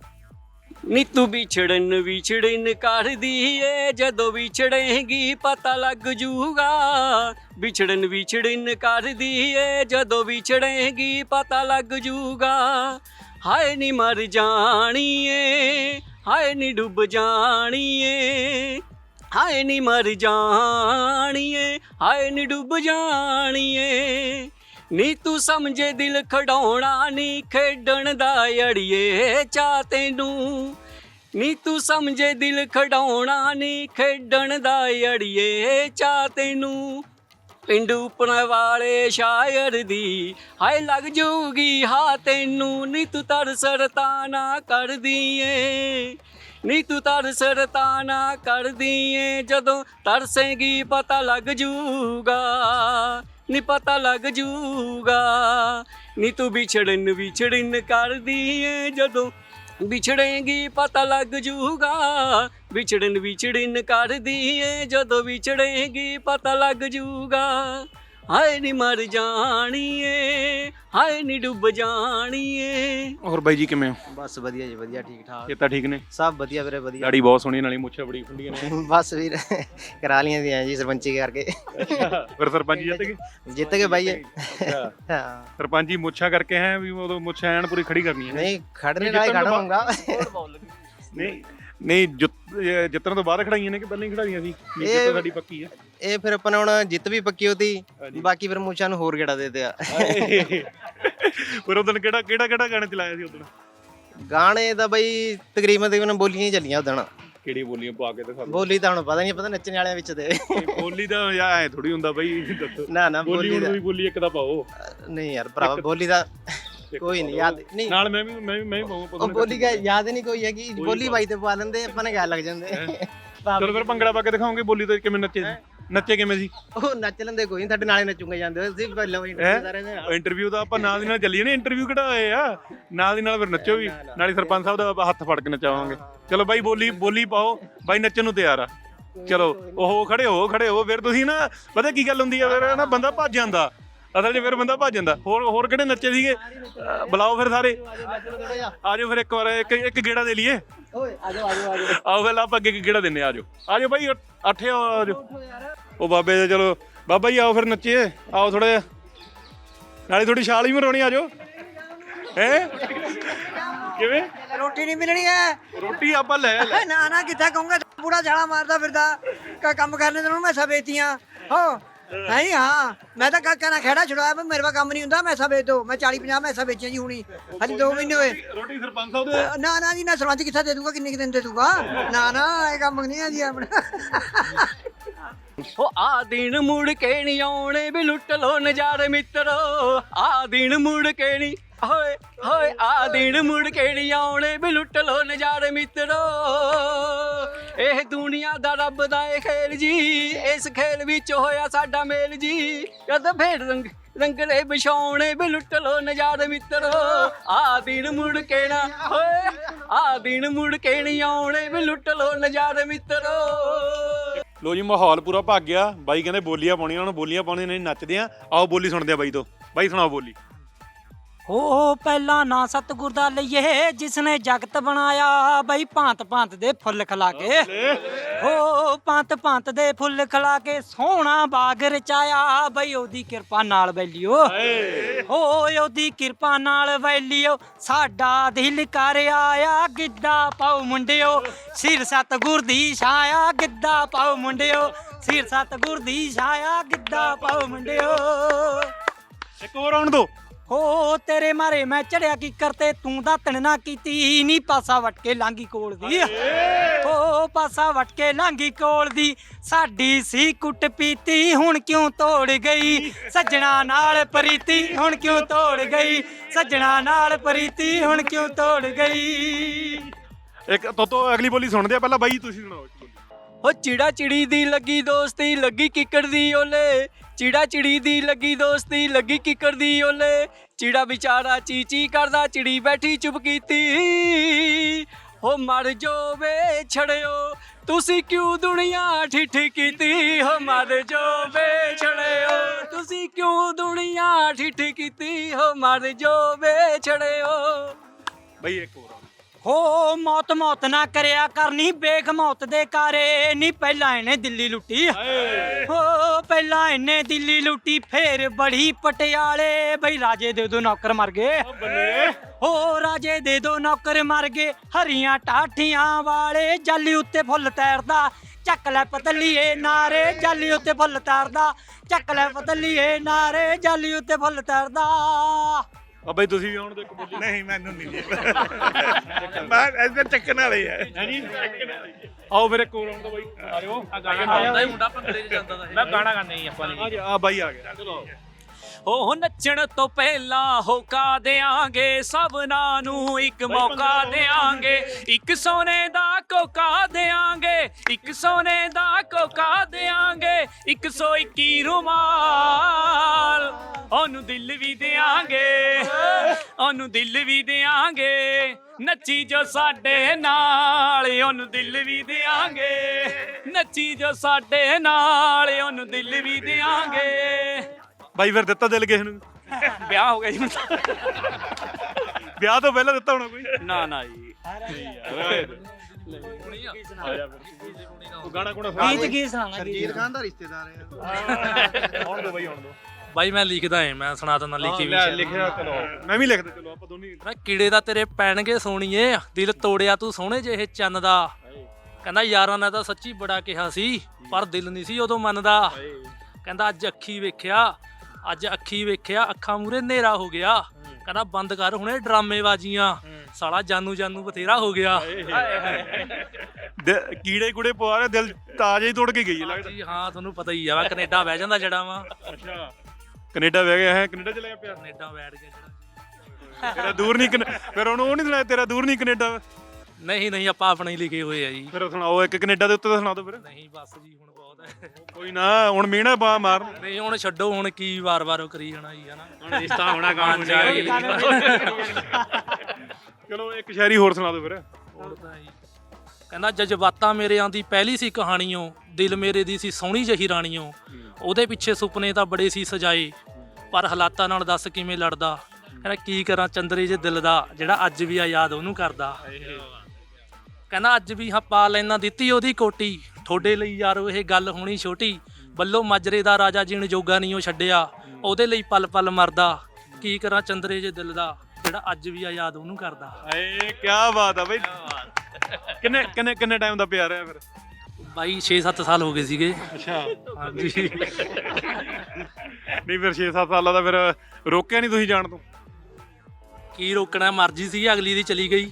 Speaker 3: ਨੀ ਤੂੰ ਵਿਛੜਨ ਵਿਛੜਨ ਕਰਦੀ ਏ, ਜਦੋਂ ਵਿਛੜੇਂਗੀ ਪਤਾ ਲੱਗ ਜੂਗਾ, ਵਿਛੜਨ ਵਿਛੜਨ ਕਰਦੀ ਏ, ਜਦੋਂ ਵਿਛੜੇਂਗੀ ਪਤਾ ਲੱਗ ਜੂਗਾ, ਹਾਏ ਨੀ ਮਰ ਜਾਣੀ ਏ, ਹਾਏ ਨੀ ਡੁੱਬ ਜਾਣੀ ਏ, ਹਾਏ ਨੀ ਮਰ ਜਾਣੀ ਏ, ਹਾਏ ਨੀ ਡੁੱਬ ਜਾਣੀ ਏ, ਨੀ ਤੂੰ ਸਮਝੇ ਦਿਲ ਖਡਾਉਣਾ ਨੀ ਖੇਡਣ ਦਾ ਅੜੀਏ ਚਾਹ ਤੈਨੂੰ, ਨੀ ਤੂੰ ਸਮਝੇ ਦਿਲ ਖਡਾਉਣਾ ਨੀ ਖੇਡਣ ਦਾ ਅੜੀਏ ਚਾਹ ਤੈਨੂੰ, ਪਿੰਡ ਉੱਪਰ ਵਾਲੇ ਸ਼ਾਇਰ ਦੀ ਹਾਏ ਲੱਗ ਜੂਗੀ ਹਾਂ ਤੈਨੂੰ, ਨੀ ਤੂੰ ਤਰਸ ਰਤਾਨਾ ਕਰਦੀ ਏ, ਨੀ ਤੂੰ ਤਰਸ ਰਤਾਨਾ ਕਰਦੀ ਏ, ਜਦੋਂ ਤਰਸੇਂਗੀ ਪਤਾ ਲੱਗ ਜੂਗਾ, ਨੀ ਪਤਾ ਲੱਗ ਜੂਗਾ, ਨੀ ਤੂੰ ਵਿਛੜਨ ਵਿਛੜਨ ਕਰਦੀ ਏ, ਜਦੋਂ ਵਿਛੜੇਂਗੀ ਪਤਾ ਲੱਗ ਜੂਗਾ, ਵਿਛੜਨ ਵਿਛੜਨ ਕਰਦੀ ਏ, ਜਦੋਂ ਵਿਛੜੇਂਗੀ ਪਤਾ ਲੱਗ ਜੂਗਾ, ਹਾਏ ਨੀ ਮਰ ਜਾਣੀ ਏ, ਹਾਏ ਨੀ ਡੁੱਬ ਜਾਣੀ ਏ।
Speaker 1: ਹੋਰ ਬਾਈ ਜੀ ਕਿਵੇਂ ਹੋ?
Speaker 8: ਬਸ ਵਧੀਆ ਜੀ, ਵਧੀਆ ਠੀਕ ਠਾਕ,
Speaker 1: ਇਹ ਤਾਂ ਠੀਕ ਨੇ?
Speaker 8: ਸਭ ਵਧੀਆ ਵੀਰੇ, ਵਧੀਆ।
Speaker 1: ਦਾੜੀ ਬਹੁਤ ਸੋਹਣੀ, ਨਾਲੇ ਮੁੱਛਾਂ ਬੜੀ ਖੁੱਲੀਆਂ ਨੇ।
Speaker 8: ਬਸ ਵੀਰ ਕਰਾ ਲੀਆਂ ਦੀਆਂ ਜੀ ਸਰਪੰਚੀ ਕਰਕੇ।
Speaker 1: ਅੱਛਾ, ਫਿਰ ਸਰਪੰਚ ਜਿੱਤ ਗਏ?
Speaker 8: ਜਿੱਤ ਗਏ ਬਾਈ।
Speaker 1: ਅੱਛਾ,
Speaker 8: ਹਾਂ,
Speaker 1: ਸਰਪੰਚੀ ਮੁੱਛਾਂ ਕਰਕੇ ਹੈ ਵੀ ਉਦੋਂ ਮੁੱਛਾਂ ਐਨ ਪੂਰੀ ਖੜੀ ਕਰਨੀ ਹੈ?
Speaker 8: ਨਹੀਂ ਖੜਨੇ ਨਾਲ ਹੀ ਖੜਾ ਹੋਊਗਾ।
Speaker 1: ਨਹੀਂ ਨਹੀਂ, ਜਿੱਤ- ਇਹ ਜਿੱਤਣ ਤੋਂ ਬਾਅਦ ਖੜਾਈਆਂ ਨੇ ਕਿ ਪਹਿਲਾਂ ਹੀ ਖੜਾਈਆਂ ਸੀ? ਨਹੀਂ, ਜਿੱਤ ਸਾਡੀ ਪੱਕੀ ਹੈ।
Speaker 8: ਇਹ ਫਿਰ ਆਪਾਂ ਨੇ ਹੁਣ ਜਿੱਤ ਵੀ ਪੱਕੀ ਹੋਤੀ, ਬਾਕੀ ਫਿਰ ਮੂਛਾਂ ਨੂੰ ਹੋਰ ਗੇੜਾ ਦੇ ਦਿਆ।
Speaker 1: ਫਿਰ ਉਦੋਂ ਕਿਹੜਾ ਕਿਹੜਾ ਕਿਹੜਾ ਗਾਣਾ ਚਲਾਇਆ ਸੀ ਉਦੋਂ?
Speaker 8: ਗਾਣੇ ਦਾ ਬਈ ਤਕਰੀਬਨ ਤਕਰੀਬਨ ਬੋਲੀਆਂ ਹੀ ਚੱਲੀਆਂ ਉਦੋਂ।
Speaker 1: ਕਿਹੜੀ ਬੋਲੀਆਂ ਪਾ ਕੇ ਦਿਖਾ?
Speaker 8: ਬੋਲੀ ਤਾਂ ਹੁਣ ਪਤਾ ਨਹੀਂ, ਪਤਾ ਨੱਚਣ ਵਾਲਿਆਂ ਵਿੱਚ ਤੇ
Speaker 1: ਬੋਲੀ ਦਾ ਯਾ ਐ ਥੋੜੀ ਹੁੰਦਾ ਬਾਈ, ਦੱਸੋ।
Speaker 8: ਨਾ ਨਾ
Speaker 1: ਬੋਲੀ
Speaker 8: ਬੋਲੀ
Speaker 1: ਹੁਣ
Speaker 8: ਦਾ
Speaker 1: ਵੀ ਬੋਲੀ ਇੱਕ ਦਾ ਪਾਓ।
Speaker 8: ਨਹੀਂ ਯਾਰ ਭਰਾਵਾ, ਬੋਲੀ ਦਾ ਕੋਈ ਨਹੀਂ ਯਾਦ ਨਹੀਂ,
Speaker 1: ਨਾਲ ਮੈਂ ਵੀ ਮੈਂ ਵੀ ਮੈਂ ਵੀ ਪਾਉਂਗਾ।
Speaker 8: ਉਹ ਬੋਲੀ ਦਾ ਯਾਦ ਨਹੀਂ ਕੋਈ ਹੈਗੀ, ਬੋਲੀ ਬਾਈ ਤੇ ਪਾ ਲੈਂਦੇ ਆਪਾਂ ਨੇ, ਗੱਲ ਲੱਗ ਜਾਂਦੇ।
Speaker 1: ਚਲੋ ਫਿਰ ਭੰਗੜਾ ਪਾ ਕੇ ਦਿਖਾਓਗੇ ਬੋਲੀ ਤੇ ਕਿਵੇਂ ਨੱਚੇ ਸੀ? ਨੱਚੇ ਕਿਵੇਂ ਸੀ?
Speaker 8: ਉਹ ਨੱਚ ਲੈਂਦੇ ਕੋਈ ਨਹੀਂ, ਸਾਡੇ ਨਾਲੇ ਨੱਚੂਗੇ ਜਾਂਦੇ ਸੀ ਪਹਿਲਾਂ ਵੀ ਸਾਰੇ ਦੇ ਨਾਲ।
Speaker 1: ਇੰਟਰਵਿਊ ਤਾਂ ਆਪਾਂ ਨਾਲ ਦੀ ਨਾਲ ਚੱਲੀਏ ਨਾ, ਇੰਟਰਵਿਊ ਕਿਹੜਾ ਹੋਏ ਆ, ਨਾਲ ਦੀ ਨਾਲ ਫਿਰ ਨੱਚੋ ਵੀ, ਨਾਲੇ ਸਰਪੰਚ ਸਾਹਿਬ ਦਾ ਆਪਾਂ ਹੱਥ ਫੜ ਕੇ ਨਚਾਵਾਂਗੇ। ਚਲੋ ਬਾਈ ਬੋਲੀ ਬੋਲੀ ਪਾਓ, ਬਾਈ ਨੱਚਣ ਨੂੰ ਤਿਆਰ ਆ। ਚਲੋ ਉਹ ਖੜੇ ਹੋ ਖੜੇ ਹੋ, ਫਿਰ ਤੁਸੀਂ ਨਾ ਪਤਾ ਕੀ ਗੱਲ ਹੁੰਦੀ ਆ, ਫਿਰ ਨਾ ਬੰਦਾ ਭੱਜ ਜਾਂਦਾ ਅਸਲ 'ਚ, ਫਿਰ ਬੰਦਾ ਭੱਜ ਜਾਂਦਾ। ਹੋਰ ਹੋਰ ਕਿਹੜੇ ਨੱਚੇ ਸੀਗੇ? ਅਹ ਬੁਲਾਓ ਫਿਰ ਸਾਰੇ, ਆ ਜਾਓ ਫਿਰ ਇੱਕ ਵਾਰ ਇੱਕ ਇੱਕ ਗੇੜਾ ਦੇ ਲਈਏ। ਆਓ ਫਿਰ ਆਪਾਂ ਅੱਗੇ ਗੇੜਾ ਦਿੰਨੇ, ਆ ਜਾਓ ਆ ਜਾਓ ਬਾਈ, ਅੱਠੇ ਆ ਜਾਓ। ਉਹ ਬਾਬੇ ਦੇ ਚਲੋ ਬਾਬਾ ਜੀ ਆਓ ਫਿਰ ਨੱਚੀਏ, ਆਓ ਥੋੜਾ ਜਿਹਾ, ਨਾਲੇ ਥੋੜੀ ਛਾਲ ਵੀ ਮਰਾਉਣੀ, ਆ ਜਾਓ। ਹੈ ਕਿਵੇਂ
Speaker 7: ਰੋਟੀ ਨਹੀਂ ਮਿਲਣੀ ਹੈ,
Speaker 1: ਰੋਟੀ ਆਪਾਂ ਲੈ ਲੈ
Speaker 7: ਨਾ ਨਾ ਕਿੱਥੇ ਕਹੂੰਗਾ, ਪੂਰਾ ਛਾਲਾ ਮਾਰਦਾ ਫਿਰਦਾ ਕਾ ਕੰਮ ਕਰਨੇ ਤੈਨੂੰ ਮੈਂ ਵੇਚਤੀਆਂ ਹੋ ਨਹੀਂ। ਹਾਂ ਮੈਂ ਤਾਂ ਕਾਕਾ ਨਾਲ ਖੇੜਾ ਛੁਡਾਇਆ, ਪਰ ਮੇਰੇ ਕੋਲ ਕੰਮ ਨਹੀਂ ਹੁੰਦਾ, ਮੈਸਾਂ ਵੇਚ ਦੋ। ਮੈਂ ਚਾਲੀ ਪੰਜਾਹ ਮੈਸਾਂ ਵੇਚੀਆਂ ਜੀ ਹੁਣੀ, ਹਜੇ ਦੋ ਮਹੀਨੇ ਹੋਏ।
Speaker 1: ਰੋਟੀ ਸਰਪੰਚ ਸਾਹਿਬ ਦੇ
Speaker 7: ਨਾ ਨਾ ਜੀ ਨਾ, ਸਰਪੰਚ ਕਿੱਥੇ ਦੇ ਦੂਗਾ, ਕਿੰਨੇ ਕੁ ਦਿਨ ਦੇ ਦੂਗਾ, ਨਾ ਨਾ ਇਹ ਕੰਮ ਨਹੀਂ ਹੈ ਜੀ ਆਪਣਾ।
Speaker 3: ਉਹ ਆ ਦਿਨ ਮੁੜ ਕੇ ਨਹੀਂ ਆਉਣੇ ਵੀ ਲੁੱਟ ਲੋ ਨਜ਼ਾਰੇ ਮਿੱਤਰੋ, ਆ ਦਿਨ ਮੁੜ ਕੇ ਨਹੀਂ ਹੋਏ ਹੋਏ, ਆ ਦਿਨ ਮੁੜ ਕੇ ਨਹੀਂ ਆਉਣੇ ਵੀ ਲੁੱਟ ਲੋ ਨਜ਼ਾਰੇ ਮਿੱਤਰੋ। ਇਹ ਦੁਨੀਆ ਦਾ ਰੱਬ ਦਾ ਇਹ ਖੇਲ ਜੀ, ਇਸ ਖੇਲ ਵਿੱਚ ਹੋਇਆ ਸਾਡਾ ਮੇਲ ਜੀ, ਕਦ ਫੇਰ ਰੰਗ ਰੰਗਲੇ ਵਿਛਾਉਣੇ ਵੀ ਲੁੱਟ ਲੋ ਨਜ਼ਾਰੇ ਮਿੱਤਰੋ। ਆ ਦਿਨ ਮੁੜ ਕੇ ਨਾ ਹੋਏ, ਆ ਦਿਨ ਮੁੜ ਕੇ ਨਹੀਂ ਆਉਣੇ ਵੀ ਲੁੱਟ ਲੋ ਨਜ਼ਾਰੇ ਮਿੱਤਰੋ।
Speaker 1: ਲੋ ਜੀ ਮਾਹੌਲ ਪੂਰਾ ਭੱਗ ਗਿਆ। ਬਾਈ ਕਹਿੰਦੇ ਬੋਲੀਆਂ ਪਾਉਣੀਆਂ, ਉਹਨਾਂ ਬੋਲੀਆਂ ਪਾਉਣੀਆਂ ਨਹੀਂ, ਨੱਚਦੇ ਆ। ਆਓ ਬੋਲੀ ਸੁਣਦੇ ਆ ਬਾਈ ਤੋਂ। ਬਾਈ ਸੁਣਾਓ ਬੋਲੀ।
Speaker 9: ਹੋ ਪਹਿਲਾ ਨਾਂ ਸਤਿਗੁਰ ਦਾ ਲਈਏ, ਜਿਸਨੇ ਜਗਤ ਬਣਾਇਆ ਬਈ, ਭਾਂਤ ਭਾਂਤ ਦੇ ਫੁੱਲ ਖਿਲਾ ਕੇ, ਹੋ ਭਾਂਤ ਭਾਂਤ ਦੇ ਫੁੱਲ ਖਿਲਾ ਕੇ ਸੋਹਣਾ ਬਾਗ ਰਚਾਇਆ ਬਈ, ਉਹਦੀ ਕਿਰਪਾ ਨਾਲ ਵੈਲੀਓ, ਹੋ ਉਹਦੀ ਕਿਰਪਾ ਨਾਲ ਵੈਲੀਓ, ਸਾਡਾ ਦਿਲ ਕਰ ਆਇਆ ਗਿੱਧਾ ਪਾਓ ਮੁੰਡਿਓ, ਸਿਰ ਸਤਿਗੁਰ ਦੀ ਛਾਇਆ ਗਿੱਧਾ ਪਾਓ ਮੁੰਡਿਓ, ਸਿਰ ਸਤਿਗੁਰ ਦੀ ਛਾਇਆ ਗਿੱਧਾ ਪਾਓ ਮੁੰਡਿਓ।
Speaker 1: ਇੱਕ ਹੋਰ ਆਉਣ ਦੋ।
Speaker 9: ਹੋ ਤੇਰੇ ਮਾਰੇ ਮੈਂ ਚੜਿਆ ਕੀ ਕਰਤੇ, ਤੂੰ ਦਾਤਣ ਨਾ ਕੀਤੀ ਨੀ, ਪਾਸਾ ਵਟ ਕੇ ਲਾਂਗੀ ਕੋਲ ਦੀ, ਹੋ ਪਾਸਾ ਵਟ ਕੇ ਲਾਂਗੀ ਕੋਲ ਦੀ, ਸਾਡੀ ਸੀ ਕੁੱਟ ਪੀਤੀ ਹੁਣ ਕਿਉਂ ਤੋੜ ਗਈ, ਸੱਜਣਾ ਨਾਲ ਪ੍ਰੀਤੀ ਹੁਣ ਕਿਉਂ ਤੋੜ ਗਈ, ਸੱਜਣਾ ਨਾਲ ਪ੍ਰੀਤੀ ਹੁਣ ਕਿਉਂ ਤੋੜ ਗਈ।
Speaker 1: ਇੱਕ ਤੋਤੋ ਅਗਲੀ ਬੋਲੀ ਸੁਣਦੇ ਆ, ਪਹਿਲਾਂ ਬਾਈ ਤੁਸੀਂ ਸੁਣਾਓ।
Speaker 3: ਹੋ ਚਿੜਾ ਚਿੜੀ ਦੀ ਲੱਗੀ ਦੋਸਤੀ, ਲੱਗੀ ਕਿੱਕਰ ਦੀ ਓਲੇ, ਚਿੜਾ ਚਿੜੀ ਦੀ ਲੱਗੀ ਦੋਸਤੀ, ਲੱਗੀ ਕਿੱਕਰ ਦੀ ਓਲੇ, ਚਿੜਾ ਵਿਚਾਰਾ ਚੀ ਚੀ ਕਰਦਾ, ਚਿੜੀ ਬੈਠੀ ਚੁੱਪ ਕੀਤੀ, ਹੋ ਮਰ ਜੋ ਵੇ ਛੜਿਓ, ਤੁਸੀਂ ਕਿਉਂ ਦੁਨੀਆ ਠਿੱਠ ਕੀਤੀ, ਹੋ ਮਰ ਜੋ ਵੇ ਛੜਿਓ, ਤੁਸੀਂ ਕਿਉਂ ਦੁਨੀਆ ਠਿੱਠ ਕੀਤੀ, ਹੋ ਮਰ ਜੋ ਵੇ ਛੜਿਓ।
Speaker 1: ਬਾਈ ਇੱਕ ਹੋਰ
Speaker 9: ਹੋ ਮੌਤ ਮੌਤ ਨਾ ਕਰਿਆ ਕਰਨੀ, ਬੇਖ ਮੌਤ ਦੇ ਕਾਰੇ ਨੀ, ਪਹਿਲਾਂ ਇਹਨੇ ਦਿੱਲੀ ਲੁੱਟੀ, ਹੋ ਪਹਿਲਾਂ ਇਹਨੇ ਦਿੱਲੀ ਲੁੱਟੀ, ਫੇਰ ਬੜੀ ਪਟਿਆਲੇ ਬਈ, ਰਾਜੇ ਦੇ ਦੋ ਨੌਕਰ ਮਰ ਗਏ, ਹੋ ਰਾਜੇ ਦੇ ਦੋ ਨੌਕਰ ਮਰ ਗਏ, ਹਰੀਆਂ ਟਾਠੀਆਂ ਵਾਲੇ ਜਾਲੀ ਉੱਤੇ ਫੁੱਲ ਤੈਰਦਾ, ਚੱਕ ਲੈ ਪਤਲੀਏ ਨਾਰੇ ਜਾਲੀ ਉੱਤੇ ਫੁੱਲ ਤੈਰਦਾ, ਚੱਕ ਲੈ ਪਤਲੀਏ ਨਾਰੇ ਜਾਲੀ ਉੱਤੇ ਫੁੱਲ ਤੈਰਦਾ।
Speaker 1: ਆ ਬਾਈ ਤੁਸੀਂ ਵੀ ਆਉਣ ਦੋ ਇੱਕ ਬੋਲੀ।
Speaker 2: ਨਹੀਂ ਮੈਨੂੰ ਨਹੀਂ ਮੈਂ ਇੱਧਰ ਚੱਕਣ ਵਾਲੇ ਆ
Speaker 1: ਹਾਂਜੀ ਆਓ ਫਿਰ ਇੱਕ ਹੋਰ ਆਉਣ ਦੋ ਬਾਈ। ਆ ਜਾਓ।
Speaker 3: ਆਉਂਦਾ ਹੀ ਮੁੰਡਾ ਭੰਗੜੇ 'ਚ ਜਾਂਦਾ,
Speaker 2: ਮੈਂ ਗਾਣਾ ਗਾਣਾ ਹੀ ਆਪਾਂ ਨੇ।
Speaker 1: ਆ ਬਾਈ ਆ ਗਿਆ, ਚਲੋ।
Speaker 3: ਉਹ ਨੱਚਣ ਤੋਂ ਪਹਿਲਾਂ ਹੋਕਾ ਦਿਆਂਗੇ, ਸਭਨਾਂ ਨੂੰ ਇੱਕ ਮੌਕਾ ਦਿਆਂਗੇ, ਇੱਕ ਸੋਨੇ ਦਾ ਕੋਕਾ ਦਿਆਂਗੇ, ਇੱਕ ਸੋਨੇ ਦਾ ਕੋਕਾ ਦਿਆਂਗੇ, ਇੱਕ ਸੌ ਇੱਕੀ ਰੁਮਾਲ, ਉਹਨੂੰ ਦਿਲ ਵੀ ਦਿਆਂਗੇ, ਉਹਨੂੰ ਦਿਲ ਵੀ ਦਿਆਂਗੇ, ਨੱਚੀ ਜੋ ਸਾਡੇ ਨਾਲ, ਉਹਨੂੰ ਦਿਲ ਵੀ ਦਿਆਂਗੇ, ਨੱਚੀ ਜੋ ਸਾਡੇ ਨਾਲ, ਉਹਨੂੰ ਦਿਲ ਵੀ ਦਿਆਂਗੇ।
Speaker 1: ਬਾਈ ਫਿਰ ਦਿੱਤਾ ਦਿਲ ਕਿਸੇ ਨੂੰ?
Speaker 3: ਵਿਆਹ ਹੋ ਗਿਆ ਜੀ ਹੁਣ ਤਾਂ।
Speaker 1: ਵਿਆਹ ਤੋਂ ਪਹਿਲਾਂ ਦਿੱਤਾ ਹੋਣਾ ਕੋਈ?
Speaker 3: ਨਾ ਨਾ ਜੀ।
Speaker 1: ਗਾਣਾ ਕੋਣਾ
Speaker 9: ਗੀਤ ਕੀ ਸੁਣਾਣਾ,
Speaker 8: ਸਰਜੀਤ ਖਾਨ ਦਾ ਰਿਸ਼ਤੇਦਾਰ ਹੈ।
Speaker 1: ਆਉਣ ਦੋ ਬਾਈ ਆਉਣ ਦੋ।
Speaker 10: ਬਾਈ ਮੈਂ ਲਿਖਦਾ ਏ, ਮੈਂ ਸੁਣਾ ਦਿੰਦਾ ਲਿਖੀ ਵੀ।
Speaker 1: ਲਿਖਿਆ ਚਲੋ ਮੈਂ ਵੀ ਲਿਖਦਾ, ਚਲੋ ਆਪਾਂ ਦੋਨੇ।
Speaker 10: ਮੈਂ ਕੀੜੇ ਦਾ ਤੇਰੇ ਪੈਣਗੇ ਸੋਣੀਏ, ਦਿਲ ਤੋੜਿਆ ਤੂੰ ਸੋਹਣੇ ਜਿਹੇ ਚੰਨ ਦਾ, ਕਹਿੰਦਾ ਯਾਰਾਂ ਨੇ ਤਾਂ ਸੱਚੀ ਬੜਾ ਕਿਹਾ ਸੀ, ਪਰ ਦਿਲ ਨਹੀਂ ਸੀ ਉਦੋਂ ਮੰਨਦਾ, ਕਹਿੰਦਾ ਅੱਜ ਅੱਖੀ ਵੇਖਿਆ, ਅੱਜ ਅੱਖੀ ਵੇਖਿਆ, ਅੱਖਾਂ ਮੂਰੇ ਹਨੇਰਾ ਹੋ ਗਿਆ, ਕਹਿੰਦਾ ਬੰਦ ਕਰ ਹੁਣੇ ਡਰਾਮੇਬਾਜ਼ੀਆਂ, ਸਾਲਾ ਜਾਨੂ ਜਾਨੂ ਬਥੇਰਾ ਹੋ ਗਿਆ।
Speaker 1: ਕੀੜੇ ਕੁੜੇ ਪਵਾ ਰਹੇ, ਦਿਲ ਤਾਜ਼ਾ ਹੀ ਤੋੜ ਕੇ ਗਈ ਹੈ ਲੱਗਦਾ
Speaker 10: ਜੀ। ਹਾਂ ਤੁਹਾਨੂੰ ਪਤਾ ਹੀ ਆ, ਮੈਂ ਕੈਨੇਡਾ ਬਹਿ ਜਾਂਦਾ ਜਿਹੜਾ ਵਾ।
Speaker 1: ਅੱਛਾ ਕੈਨੇਡਾ ਬਹਿ ਗਿਆ ਹੈ, ਕੈਨੇਡਾ ਚਲਾ ਗਿਆ ਪਿਆ,
Speaker 10: ਕੈਨੇਡਾ ਬੈਠ ਗਿਆ ਜਿਹੜਾ।
Speaker 1: ਤੇਰਾ ਦੂਰ ਨਹੀਂ, ਫਿਰ ਉਹਨੂੰ ਉਹ ਨਹੀਂ ਸੁਣਾਇਆ ਤੇਰਾ ਦੂਰ ਨਹੀਂ ਕੈਨੇਡਾ?
Speaker 10: ਨਹੀਂ ਨਹੀਂ ਆਪਾਂ ਆਪਣੇ ਹੀ ਲਿਖੇ ਹੋਏ ਆ ਜੀ।
Speaker 1: ਫਿਰ ਸੁਣਾਓ ਇੱਕ ਕੈਨੇਡਾ ਦੇ ਉੱਤੇ ਤਾਂ ਸੁਣਾ ਦਿਓ ਫਿਰ।
Speaker 10: ਨਹੀਂ ਬਸ ਜੀ ਹੁਣ ਬਹੁਤ ਹੈ।
Speaker 1: ਕੋਈ ਨਾ ਹੁਣ ਮੀਣਾ ਬਾ ਮਾਰ।
Speaker 10: ਨਹੀਂ ਹੁਣ ਛੱਡੋ, ਹੁਣ ਕੀ ਵਾਰ-ਵਾਰ ਉਹ ਕਰੀ ਜਾਣਾ ਜੀ, ਹਨਾ।
Speaker 2: ਹੁਣ ਰਿਸ਼ਤਾ ਹੋਣਾ ਕੰਮ
Speaker 1: ਚਲੋ ਇੱਕ ਸ਼ਾਇਰੀ ਹੋਰ ਸੁਣਾ ਦਿਓ ਫਿਰ।
Speaker 10: ਹੋਰ ਤਾਂ ਜੀ ਕਹਿੰਦਾ ਜਜ਼ਬਾਤਾਂ ਮੇਰਿਆਂ ਦੀ ਪਹਿਲੀ ਸੀ ਕਹਾਣੀਓ, ਦਿਲ ਮੇਰੇ ਦੀ ਸੀ ਸੋਹਣੀ ਜਹੀ ਰਾਣੀਓ, ਉਹਦੇ ਪਿੱਛੇ ਸੁਪਨੇ ਤਾਂ ਬੜੇ ਸੀ ਸਜਾਏ, ਪਰ ਹਾਲਾਤਾਂ ਨਾਲ ਦੱਸ ਕਿਵੇਂ ਲੜਦਾ, ਕਹਿੰਦਾ ਕੀ ਕਰਾਂ ਚੰਦਰੇ ਜੇ ਦਿਲ ਦਾ, ਜਿਹੜਾ ਅੱਜ ਵੀ ਆ ਯਾਦ ਉਹਨੂੰ ਕਰਦਾ, ਕਹਿੰਦਾ ਅੱਜ ਵੀ ਹਾਂ ਪਾ ਲੈਣਾ ਦਿੱਤੀ ਉਹਦੀ ਕੋਟੀ, ਤੁਹਾਡੇ ਲਈ ਯਾਰੋ ਇਹ ਗੱਲ ਹੋਣੀ ਛੋਟੀ, ਬੱਲੋ ਮਾਜਰੇ ਦਾ ਰਾਜਾ ਜੀਣ ਜੋਗਾ ਨਹੀਂ ਉਹ ਛੱਡਿਆ, ਉਹਦੇ ਲਈ ਪਲ ਪਲ ਮਰਦਾ, ਕੀ ਕਰਾਂ ਚੰਦਰੇ ਜੇ ਦਿਲ ਦਾ, ਜਿਹੜਾ ਅੱਜ ਵੀ ਆ ਯਾਦ ਉਹਨੂੰ ਕਰਦਾ।
Speaker 1: ਏ ਕੀ ਬਾਤ ਆ ਬਈ। ਕਿੰਨੇ ਕਿੰਨੇ ਕਿੰਨੇ ਟਾਈਮ ਦਾ ਪਿਆਰ ਹੈ ਫਿਰ?
Speaker 10: ਬਾਈ ਛੇ ਸੱਤ ਸਾਲ ਹੋ ਗਏ ਸੀਗੇ।
Speaker 1: ਅੱਛਾ
Speaker 10: ਹਾਂਜੀ।
Speaker 1: ਨਹੀਂ ਫਿਰ ਛੇ ਸੱਤ ਸਾਲਾਂ ਦਾ ਫਿਰ ਰੋਕਿਆ ਨਹੀਂ ਤੁਸੀਂ ਜਾਣ ਤੋਂ?
Speaker 10: ਕੀ ਰੋਕਣਾ, ਮਰਜ਼ੀ ਸੀ ਅਗਲੀ ਦੀ ਚਲੀ ਗਈ।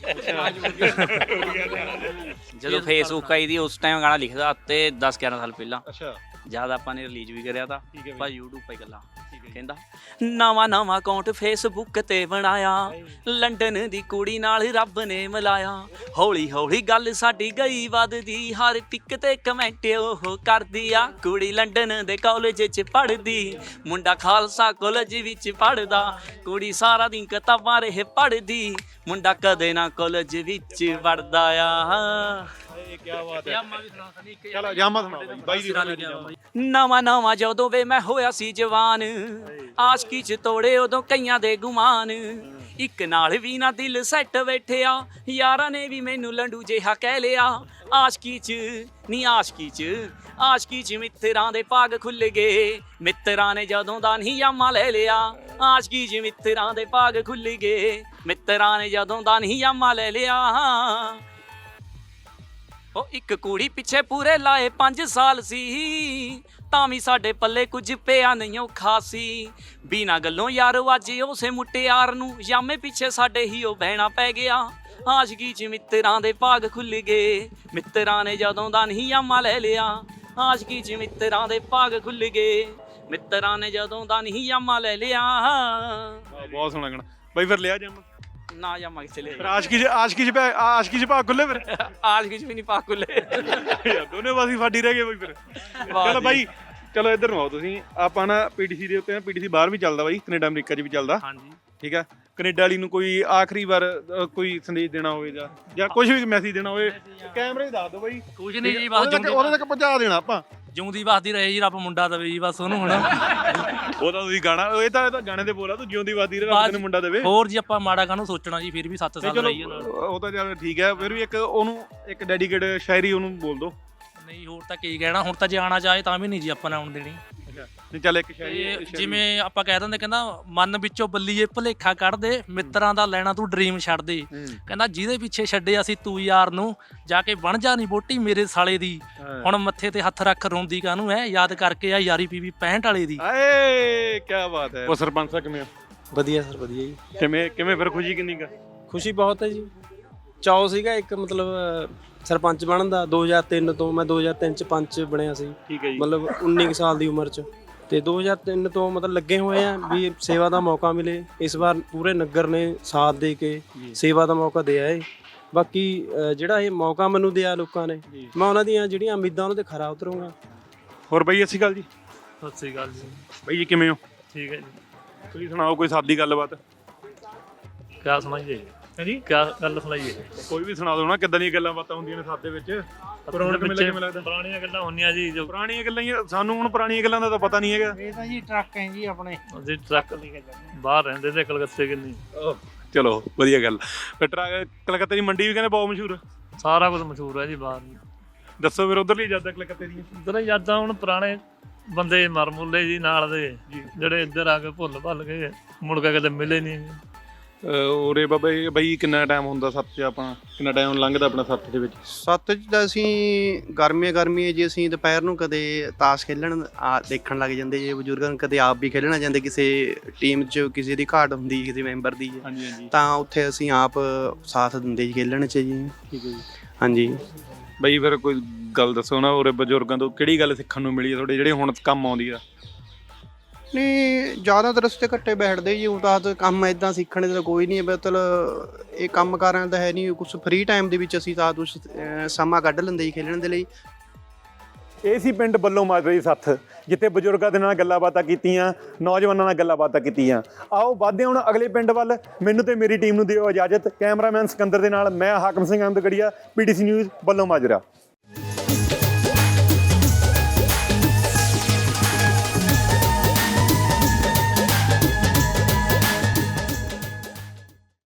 Speaker 3: ਜਦੋਂ ਫੇਸਬੁੱਕ ਆਈ ਦੀ ਉਸ ਟਾਈਮ ਗਾਣਾ ਲਿਖਦਾ ਤੇ ਦਸ ਗਿਆਰਾਂ ਸਾਲ ਪਹਿਲਾਂ,
Speaker 1: ਅੱਛਾ
Speaker 3: ਜਦ ਆਪਾਂ ਨੇ ਰਿਲੀਜ਼ ਵੀ ਕਰਿਆ ਤਾਂ
Speaker 1: ਠੀਕ ਹੈ
Speaker 3: ਪਰ YouTube 'ਤੇ ਗੱਲਾਂ ਕਹਿੰਦਾ ਨਵਾਂ ਨਵਾਂ ਅਕਾਊਂਟ ਫੇਸਬੁੱਕ ਤੇ ਬਣਾਇਆ, ਲੰਡਨ ਦੀ ਕੁੜੀ ਨਾਲ ਰੱਬ ਨੇ ਮਿਲਾਇਆ, ਹੌਲੀ ਹੌਲੀ ਗੱਲ ਸਾਡੀ ਗਈ ਵੱਧਦੀ, ਹਰ ਟਿਕ ਤੇ ਕਮੈਂਟ ਉਹ ਕਰਦੀ ਆ, ਕੁੜੀ ਲੰਡਨ ਦੇ ਕਾਲਜ 'ਚ ਪੜ੍ਹਦੀ, ਮੁੰਡਾ ਖਾਲਸਾ ਕਾਲਜ ਵਿੱਚ ਪੜ੍ਹਦਾ, ਕੁੜੀ ਸਾਰਾ ਦਿਨ ਕਿਤਾਬਾਂ ਰਹੇ ਪੜ੍ਹਦੀ, ਮੁੰਡਾ ਕਦੇ ਨਾ ਕਾਲਜ ਵਿੱਚ ਵੜਦਾ ਆ।
Speaker 1: ਕੀ ਬਾਤ ਹੈ। ਚਲੋ ਜਾਮਾ ਸੁਣਾਓ ਬਾਈ ਦੀ
Speaker 3: ਨਵਾਂ ਨਵਾਂ ਜਦੋਂ ਵੇ ਮੈਂ ਹੋਇਆ ਸੀ ਜਵਾਨ, ਆਸ਼ਕੀ 'ਚ ਤੋੜੇ ਉਦੋਂ ਕਈਆਂ ਦੇ ਗੁਮਾਨ, ਇੱਕ ਨਾਲ ਵੀ ਨਾ ਦਿਲ ਸੈੱਟ ਬੈਠਿਆ, ਯਾਰਾਂ ਨੇ ਵੀ ਮੈਨੂੰ ਲੰਡੂ ਜਿਹਾ ਕਹਿ ਲਿਆ, ਆਸ਼ਕੀ 'ਚ ਨੀ ਆਸ਼ਕੀ 'ਚ ਆਸ਼ਕੀ 'ਚ ਮਿੱਤਰਾਂ ਦੇ ਭਾਗ ਖੁੱਲ ਗਏ, ਮਿੱਤਰਾਂ ਨੇ ਜਦੋਂ ਦਾ ਨਹੀਂ ਯਾਮਾ ਲੈ ਲਿਆ, ਆਸ਼ਕੀ 'ਚ ਮਿੱਤਰਾਂ ਦੇ ਭਾਗ ਖੁੱਲ ਗਏ, ਮਿੱਤਰਾਂ ਨੇ ਜਦੋਂ ਦਾ ਨਹੀਂ ਯਾਮਾ ਲੈ ਲਿਆ। ਉਹ ਇੱਕ ਕੁੜੀ ਪਿੱਛੇ ਪੂਰੇ ਲਾਏ ਪੰਜ ਸਾਲ ਸੀ, ਤਾਂ ਵੀ ਸਾਡੇ ਪੱਲੇ ਕੁਝ ਪਿਆ ਨਹੀਂ ਉਹ ਖਾਸੀ, ਬਿਨਾਂ ਗੱਲੋਂ ਯਾਰ ਅੱਜ ਉਸੇ ਮੁਟਿਆਰ ਨੂੰ ਯਾਮੇ ਪਿੱਛੇ ਸਾਡੇ ਹੀ ਉਹ ਬਹਿਣਾ ਪੈ ਗਿਆ, ਆਸ਼ਕੀ 'ਚ ਮਿੱਤਰਾਂ ਦੇ ਭਾਗ ਖੁੱਲ ਗਏ, ਮਿੱਤਰਾਂ ਨੇ ਜਦੋਂ ਦਾ ਨਹੀਂ ਯਾਮਾ ਲੈ ਲਿਆ, ਆਸ਼ਕੀ 'ਚ ਮਿੱਤਰਾਂ ਦੇ ਭਾਗ ਖੁੱਲ ਗਏ, ਮਿੱਤਰਾਂ ਨੇ ਜਦੋਂ ਦਾ ਨਹੀਂ ਯਾਮਾ ਲੈ ਲਿਆ।
Speaker 1: ਬਹੁਤ ਸੋਹਣਾ ਗਾਣਾ ਬਾਈ। ਫਿਰ ਲਿਆ ਜਾਮਾ
Speaker 3: ਨਾ ਯਾਮਾ ਕਿੱਥੇ ਲੈ
Speaker 1: ਫਿਰ? ਆਸ਼ਕੀ 'ਚ ਆਸ਼ਕੀ 'ਚ ਭਾ- ਆਸ਼ਕੀ 'ਚ ਭਾਗ ਖੁੱਲੇ ਫਿਰ?
Speaker 3: ਆਸ਼ਕੀ 'ਚ ਵੀ ਨਹੀਂ ਭਾਗ ਖੁੱਲੇ।
Speaker 1: ਯਾਰ ਦੋਨੇ ਪਾਸੇ ਫਾਡੀ ਰਹਿ ਗਏ ਬਾਈ ਫਿਰ। ਚਲੋ ਬਾਈ ਚਲੋ ਇੱਧਰ ਨੂੰ ਆਓ ਤੁਸੀਂ। ਆਪਾਂ ਨਾ ਪੀਟੀਸੀ ਦੇ ਉੱਤੇ ਨਾ, ਪੀਟੀਸੀ ਬਾਹਰ ਵੀ ਚੱਲਦਾ ਬਾਈ, ਕੈਨੇਡਾ ਅਮਰੀਕਾ 'ਚ ਵੀ ਚੱਲਦਾ।
Speaker 10: ਹਾਂਜੀ।
Speaker 1: ਠੀਕ ਆ, ਕੈਨੇਡਾ ਵਾਲੀ ਨੂੰ ਕੋਈ ਆਖਰੀ ਵਾਰ ਅ, ਕੋਈ ਸੰਦੇਸ਼ ਦੇਣਾ ਹੋਵੇ ਜਾਂ ਜਾਂ ਕੁਝ ਵੀ ਮੈਸੇਜ ਦੇਣਾ ਹੋਵੇ, ਕੈਮਰੇ 'ਚ ਦੱਸ ਦਿਓ ਬਾਈ।
Speaker 10: ਕੁਝ ਨਹੀਂ ਜੀ, ਬਸ
Speaker 1: ਉਹਦੇ ਤੱਕ ਉਹਦੇ ਤੱਕ ਪਹੁੰਚਾ ਦੇਣਾ ਆਪਾਂ।
Speaker 10: ਜਿਉਂਦੀ ਵਸਦੀ ਰਹੇ ਜੀ, ਰੱਬ ਮੁੰਡਾ ਦੇਵੇ ਜੀ ਬਸ ਉਹਨੂੰ। ਹੁਣ
Speaker 1: ਉਹ ਤਾਂ ਤੁਸੀਂ ਗਾਣਾ, ਇਹ ਤਾਂ ਇਹ ਤਾਂ ਗਾਣੇ ਦੇ ਬੋਲਾ, ਤੂੰ ਜਿਉਂਦੀ ਵਾਦੀ ਰੱਬ ਤੈਨੂੰ ਮੁੰਡਾ ਦੇਵੇ।
Speaker 10: ਹੋਰ ਜੀ ਆਪਾਂ ਮਾੜਾ ਕਾਹਨੂੰ ਸੋਚਣਾ ਜੀ, ਫਿਰ ਵੀ ਸੱਤ ਸਾਲ ਰਹੀ ਹੈ ਨਾਲ।
Speaker 1: ਉਹ ਤਾਂ ਚੱਲ ਠੀਕ ਹੈ, ਫਿਰ ਵੀ ਇੱਕ ਉਹਨੂੰ ਇੱਕ ਡੈਡੀਕੇਟ ਸ਼ਾਇਰੀ ਉਹਨੂੰ ਬੋਲ ਦੋ।
Speaker 10: ਨਹੀਂ ਹੋਰ ਤਾਂ ਕੀ ਕਹਿਣਾ, ਹੁਣ ਤਾਂ ਜੇ ਆਉਣਾ ਚਾਹੇ ਤਾਂ ਵੀ ਨਹੀਂ ਜੀ ਆਪਾਂ ਨੇ ਆਉਣ ਦੇਣੀ।
Speaker 1: ਨਹੀਂ ਚੱਲ ਇੱਕ
Speaker 10: ਤੇ
Speaker 1: ਸ਼ਾਇਰੀ
Speaker 10: ਜਿਵੇਂ ਆਪਾਂ ਕਹਿ ਦਿੰਦੇ, ਕਹਿੰਦਾ ਮਨ ਵਿੱਚੋਂ ਬੱਲੀਏ ਭੁਲੇਖਾ ਕੱਢ ਦੇ, ਮਿੱਤਰਾਂ ਦਾ ਲੈਣਾ ਤੂੰ ਡ੍ਰੀਮ ਛੱਡ ਦੇ, ਕਹਿੰਦਾ ਜਿਹਦੇ ਪਿੱਛੇ ਛੱਡਿਆ ਸੀ ਤੂੰ ਯਾਰ ਨੂੰ, ਜਾ ਕੇ ਬਣ ਜਾ ਨਹੀਂ ਬੋਟੀ ਮੇਰੇ ਸਾਲੇ ਦੀ, ਹੁਣ ਮੱਥੇ ਤੇ ਹੱਥ ਰੱਖ ਰੋਂਦੀ ਕਾਹਨੂੰ ਐ, ਯਾਦ ਕਰਕੇ ਆ ਯਾਰੀ ਪੀਵੀ ਪੈਂਹਠ ਵਾਲੇ ਦੀ।
Speaker 1: ਆਏ ਕੀ ਬਾਤ ਹੈ। ਉਹ ਸਰਪੰਚ ਸਾਹਿਬ ਕਿਵੇਂ ਆ?
Speaker 11: ਵਧੀਆ ਸਰ ਵਧੀਆ ਜੀ।
Speaker 1: ਕਿਵੇਂ ਕਿਵੇਂ ਫਿਰ ਖੁਸ਼ੀ ਕਿੰਨੀ ਕਾ?
Speaker 11: ਖੁਸ਼ੀ ਬਹੁਤ ਹੈ ਜੀ। ਚਾਅ ਸੀਗਾ ਇੱਕ ਮਤਲਬ ਸਰਪੰਚ ਬਣਨ ਦਾ, ਦੋ ਹਜ਼ਾਰ ਤਿੰਨ ਤੋਂ। ਮੈਂ ਦੋ ਹਜ਼ਾਰ ਤਿੰਨ ਚ ਪੰਚ ਬਣਿਆ ਸੀ।
Speaker 1: ਠੀਕ ਹੈ ਜੀ।
Speaker 11: ਮਤਲਬ ਉੱਨੀ ਕੁ ਸਾਲ ਦੀ ਉਮਰ ਚ, ਤੇ ਦੋ ਹਜ਼ਾਰ ਤਿੰਨ ਤੋਂ ਮਤਲਬ ਲੱਗੇ ਹੋਏ ਆ ਵੀ ਸੇਵਾ ਦਾ ਮੌਕਾ ਮਿਲੇ। ਇਸ ਵਾਰ ਪੂਰੇ ਨਗਰ ਨੇ ਸਾਥ ਦੇ ਕੇ ਸੇਵਾ ਦਾ ਮੌਕਾ ਦਿਆ ਏ। ਬਾਕੀ ਜਿਹੜਾ ਇਹ ਮੌਕਾ ਮੈਨੂੰ ਦਿਆ ਲੋਕਾਂ ਨੇ, ਮੈਂ ਉਹਨਾਂ ਦੀਆਂ ਜਿਹੜੀਆਂ ਉਮੀਦਾਂ ਉਹਨਾਂ ਤੇ ਖਰਾ ਉਤਰੂੰਗਾ।
Speaker 1: ਹੋਰ ਬਾਈ ਸਤਿ ਸ਼੍ਰੀ ਅਕਾਲ ਜੀ।
Speaker 10: ਸਤਿ ਸ੍ਰੀ ਅਕਾਲ ਜੀ।
Speaker 1: ਬਾਈ ਜੀ ਕਿਵੇਂ ਹੋ?
Speaker 10: ਠੀਕ ਹੈ ਜੀ।
Speaker 1: ਤੁਸੀਂ ਸੁਣਾਓ ਕੋਈ ਸਾਦੀ ਗੱਲਬਾਤ।
Speaker 10: ਕਿਆ ਸੁਣਾਈਏ ਹਾਂਜੀ, ਕਿਆ ਗੱਲ ਸੁਣਾਈਏ?
Speaker 1: ਕੋਈ ਵੀ ਸੁਣਾ ਦਿਓ ਨਾ, ਕਿੱਦਾਂ ਦੀਆਂ ਗੱਲਾਂ ਬਾਤਾਂ ਹੁੰਦੀਆਂ ਨੇ ਸਾਦੇ ਵਿੱਚ। ਪੁਰਾਣੇ ਕਿਵੇਂ ਕਿਵੇਂ ਲੱਗਦਾ?
Speaker 10: ਪੁਰਾਣੀਆਂ ਗੱਲਾਂ ਹੁੰਦੀਆਂ ਜੀ, ਜੋ
Speaker 1: ਪੁਰਾਣੀਆਂ ਗੱਲਾਂ ਹੀ ਆ, ਸਾਨੂੰ ਹੁਣ ਪੁਰਾਣੀਆਂ ਗੱਲਾਂ ਦਾ ਤਾਂ ਪਤਾ ਨਹੀਂ ਹੈਗਾ।
Speaker 6: ਇਹ ਤਾਂ ਜੀ ਟਰੱਕ ਹੈ ਜੀ ਆਪਣੇ।
Speaker 10: ਅਸੀਂ ਟਰੱਕ ਬਾਹਰ ਰਹਿੰਦੇ ਤੇ ਕਲਕੱਤੇ ਕਿੰਨੀ।
Speaker 1: ਚਲੋ ਵਧੀਆ ਗੱਲ। ਫਿਰ ਟਰੱਕ ਕਲਕੱਤੇ ਦੀ ਮੰਡੀ ਵੀ ਕਹਿੰਦੇ ਬਹੁਤ ਮਸ਼ਹੂਰ ਆ।
Speaker 10: ਸਾਰਾ ਕੁਝ ਮਸ਼ਹੂਰ ਹੈ ਜੀ ਬਾਹਰ।
Speaker 1: ਦੱਸੋ ਫਿਰ ਉਧਰਲੀ ਯਾਦਾਂ ਕਲਕੱਤੇ ਦੀਆਂ।
Speaker 10: ਉਧਰ ਯਾਦਾਂ ਹੁਣ ਪੁਰਾਣੇ ਬੰਦੇ ਮਰ ਮੁੱਲੇ ਜੀ ਨਾਲ ਦੇ, ਜਿਹੜੇ ਇੱਧਰ ਆ ਕੇ ਭੁੱਲ ਭੱਲ ਗਏ, ਮੁੜ ਕੇ ਕਦੇ ਮਿਲੇ ਨਹੀਂ।
Speaker 1: ਉਰੇ ਬਾਬਾ ਜੀ ਬਈ ਕਿੰਨਾ ਟਾਈਮ ਹੁੰਦਾ ਸੱਤ 'ਚ? ਆਪਾਂ ਕਿੰਨਾ ਟਾਈਮ ਲੰਘਦਾ ਆਪਣਾ ਸੱਤ ਦੇ ਵਿੱਚ?
Speaker 8: ਸੱਤ 'ਚ ਤਾਂ ਅਸੀਂ ਗਰਮੀਆਂ ਗਰਮੀਆਂ ਜੀ ਅਸੀਂ ਦੁਪਹਿਰ ਨੂੰ ਕਦੇ ਤਾਸ਼ ਖੇਲਣ ਆ ਦੇਖਣ ਲੱਗ ਜਾਂਦੇ ਜੀ ਬਜ਼ੁਰਗਾਂ ਨੂੰ, ਕਦੇ ਆਪ ਵੀ ਖੇਲਣਾ ਜਾਂਦੇ, ਕਿਸੇ ਟੀਮ 'ਚ ਕਿਸੇ ਦੀ ਘਾਟ ਹੁੰਦੀ ਕਿਸੇ ਮੈਂਬਰ ਦੀ
Speaker 1: ਹਾਂਜੀ ਹਾਂਜੀ,
Speaker 8: ਤਾਂ ਉੱਥੇ ਅਸੀਂ ਆਪ ਸਾਥ ਦਿੰਦੇ ਜੀ ਖੇਲਣ 'ਚ ਜੀ।
Speaker 1: ਠੀਕ ਹੈ ਜੀ।
Speaker 8: ਹਾਂਜੀ
Speaker 1: ਬਈ ਫਿਰ ਕੋਈ ਗੱਲ ਦੱਸੋ ਨਾ, ਉਰੇ ਬਜ਼ੁਰਗਾਂ ਤੋਂ ਕਿਹੜੀ ਗੱਲ ਸਿੱਖਣ ਨੂੰ ਮਿਲੀ ਹੈ ਤੁਹਾਡੇ, ਜਿਹੜੇ ਹੁਣ ਕੰਮ ਆਉਂਦੀ ਆ?
Speaker 8: ਨਹੀਂ ਜ਼ਿਆਦਾਤਰ ਰਸਤੇ ਘੱਟੇ ਬੈਠਦੇ ਜੀ, ਉਹ ਤਾਂ ਕੰਮ ਇੱਦਾਂ ਸਿੱਖਣ ਦਾ ਕੋਈ ਨਹੀਂ, ਮਤਲਬ ਇਹ ਕੰਮ ਕਾਰਾਂ ਦਾ ਹੈ ਨਹੀਂ ਕੁਛ। ਫ੍ਰੀ ਟਾਈਮ ਦੇ ਵਿੱਚ ਅਸੀਂ ਤਾਂ ਕੁਛ ਸਮਾਂ ਕੱਢ ਲੈਂਦੇ ਜੀ ਖੇਲਣ ਦੇ ਲਈ।
Speaker 1: ਇਹ ਸੀ ਪਿੰਡ ਬੱਲੋ ਮਾਜਰਾ ਦੀ ਸੱਥ, ਜਿੱਥੇ ਬਜ਼ੁਰਗਾਂ ਦੇ ਨਾਲ ਗੱਲਾਂ ਬਾਤਾਂ ਕੀਤੀਆਂ, ਨੌਜਵਾਨਾਂ ਨਾਲ ਗੱਲਾਂ ਬਾਤਾਂ ਕੀਤੀਆਂ। ਆਓ ਵੱਧਦੇ ਹੁਣ ਅਗਲੇ ਪਿੰਡ ਵੱਲ। ਮੈਨੂੰ ਤੇ ਮੇਰੀ ਟੀਮ ਨੂੰ ਦਿਓ ਇਜਾਜ਼ਤ। ਕੈਮਰਾਮੈਨ ਸਿਕੰਦਰ ਦੇ ਨਾਲ ਮੈਂ ਹਾਕਮ ਸਿੰਘ ਅਹਿਮਦਗੜੀਆ, ਪੀਟੀਸੀ ਨਿਊਜ਼ ਬੱਲੋ ਮਾਜਰਾ।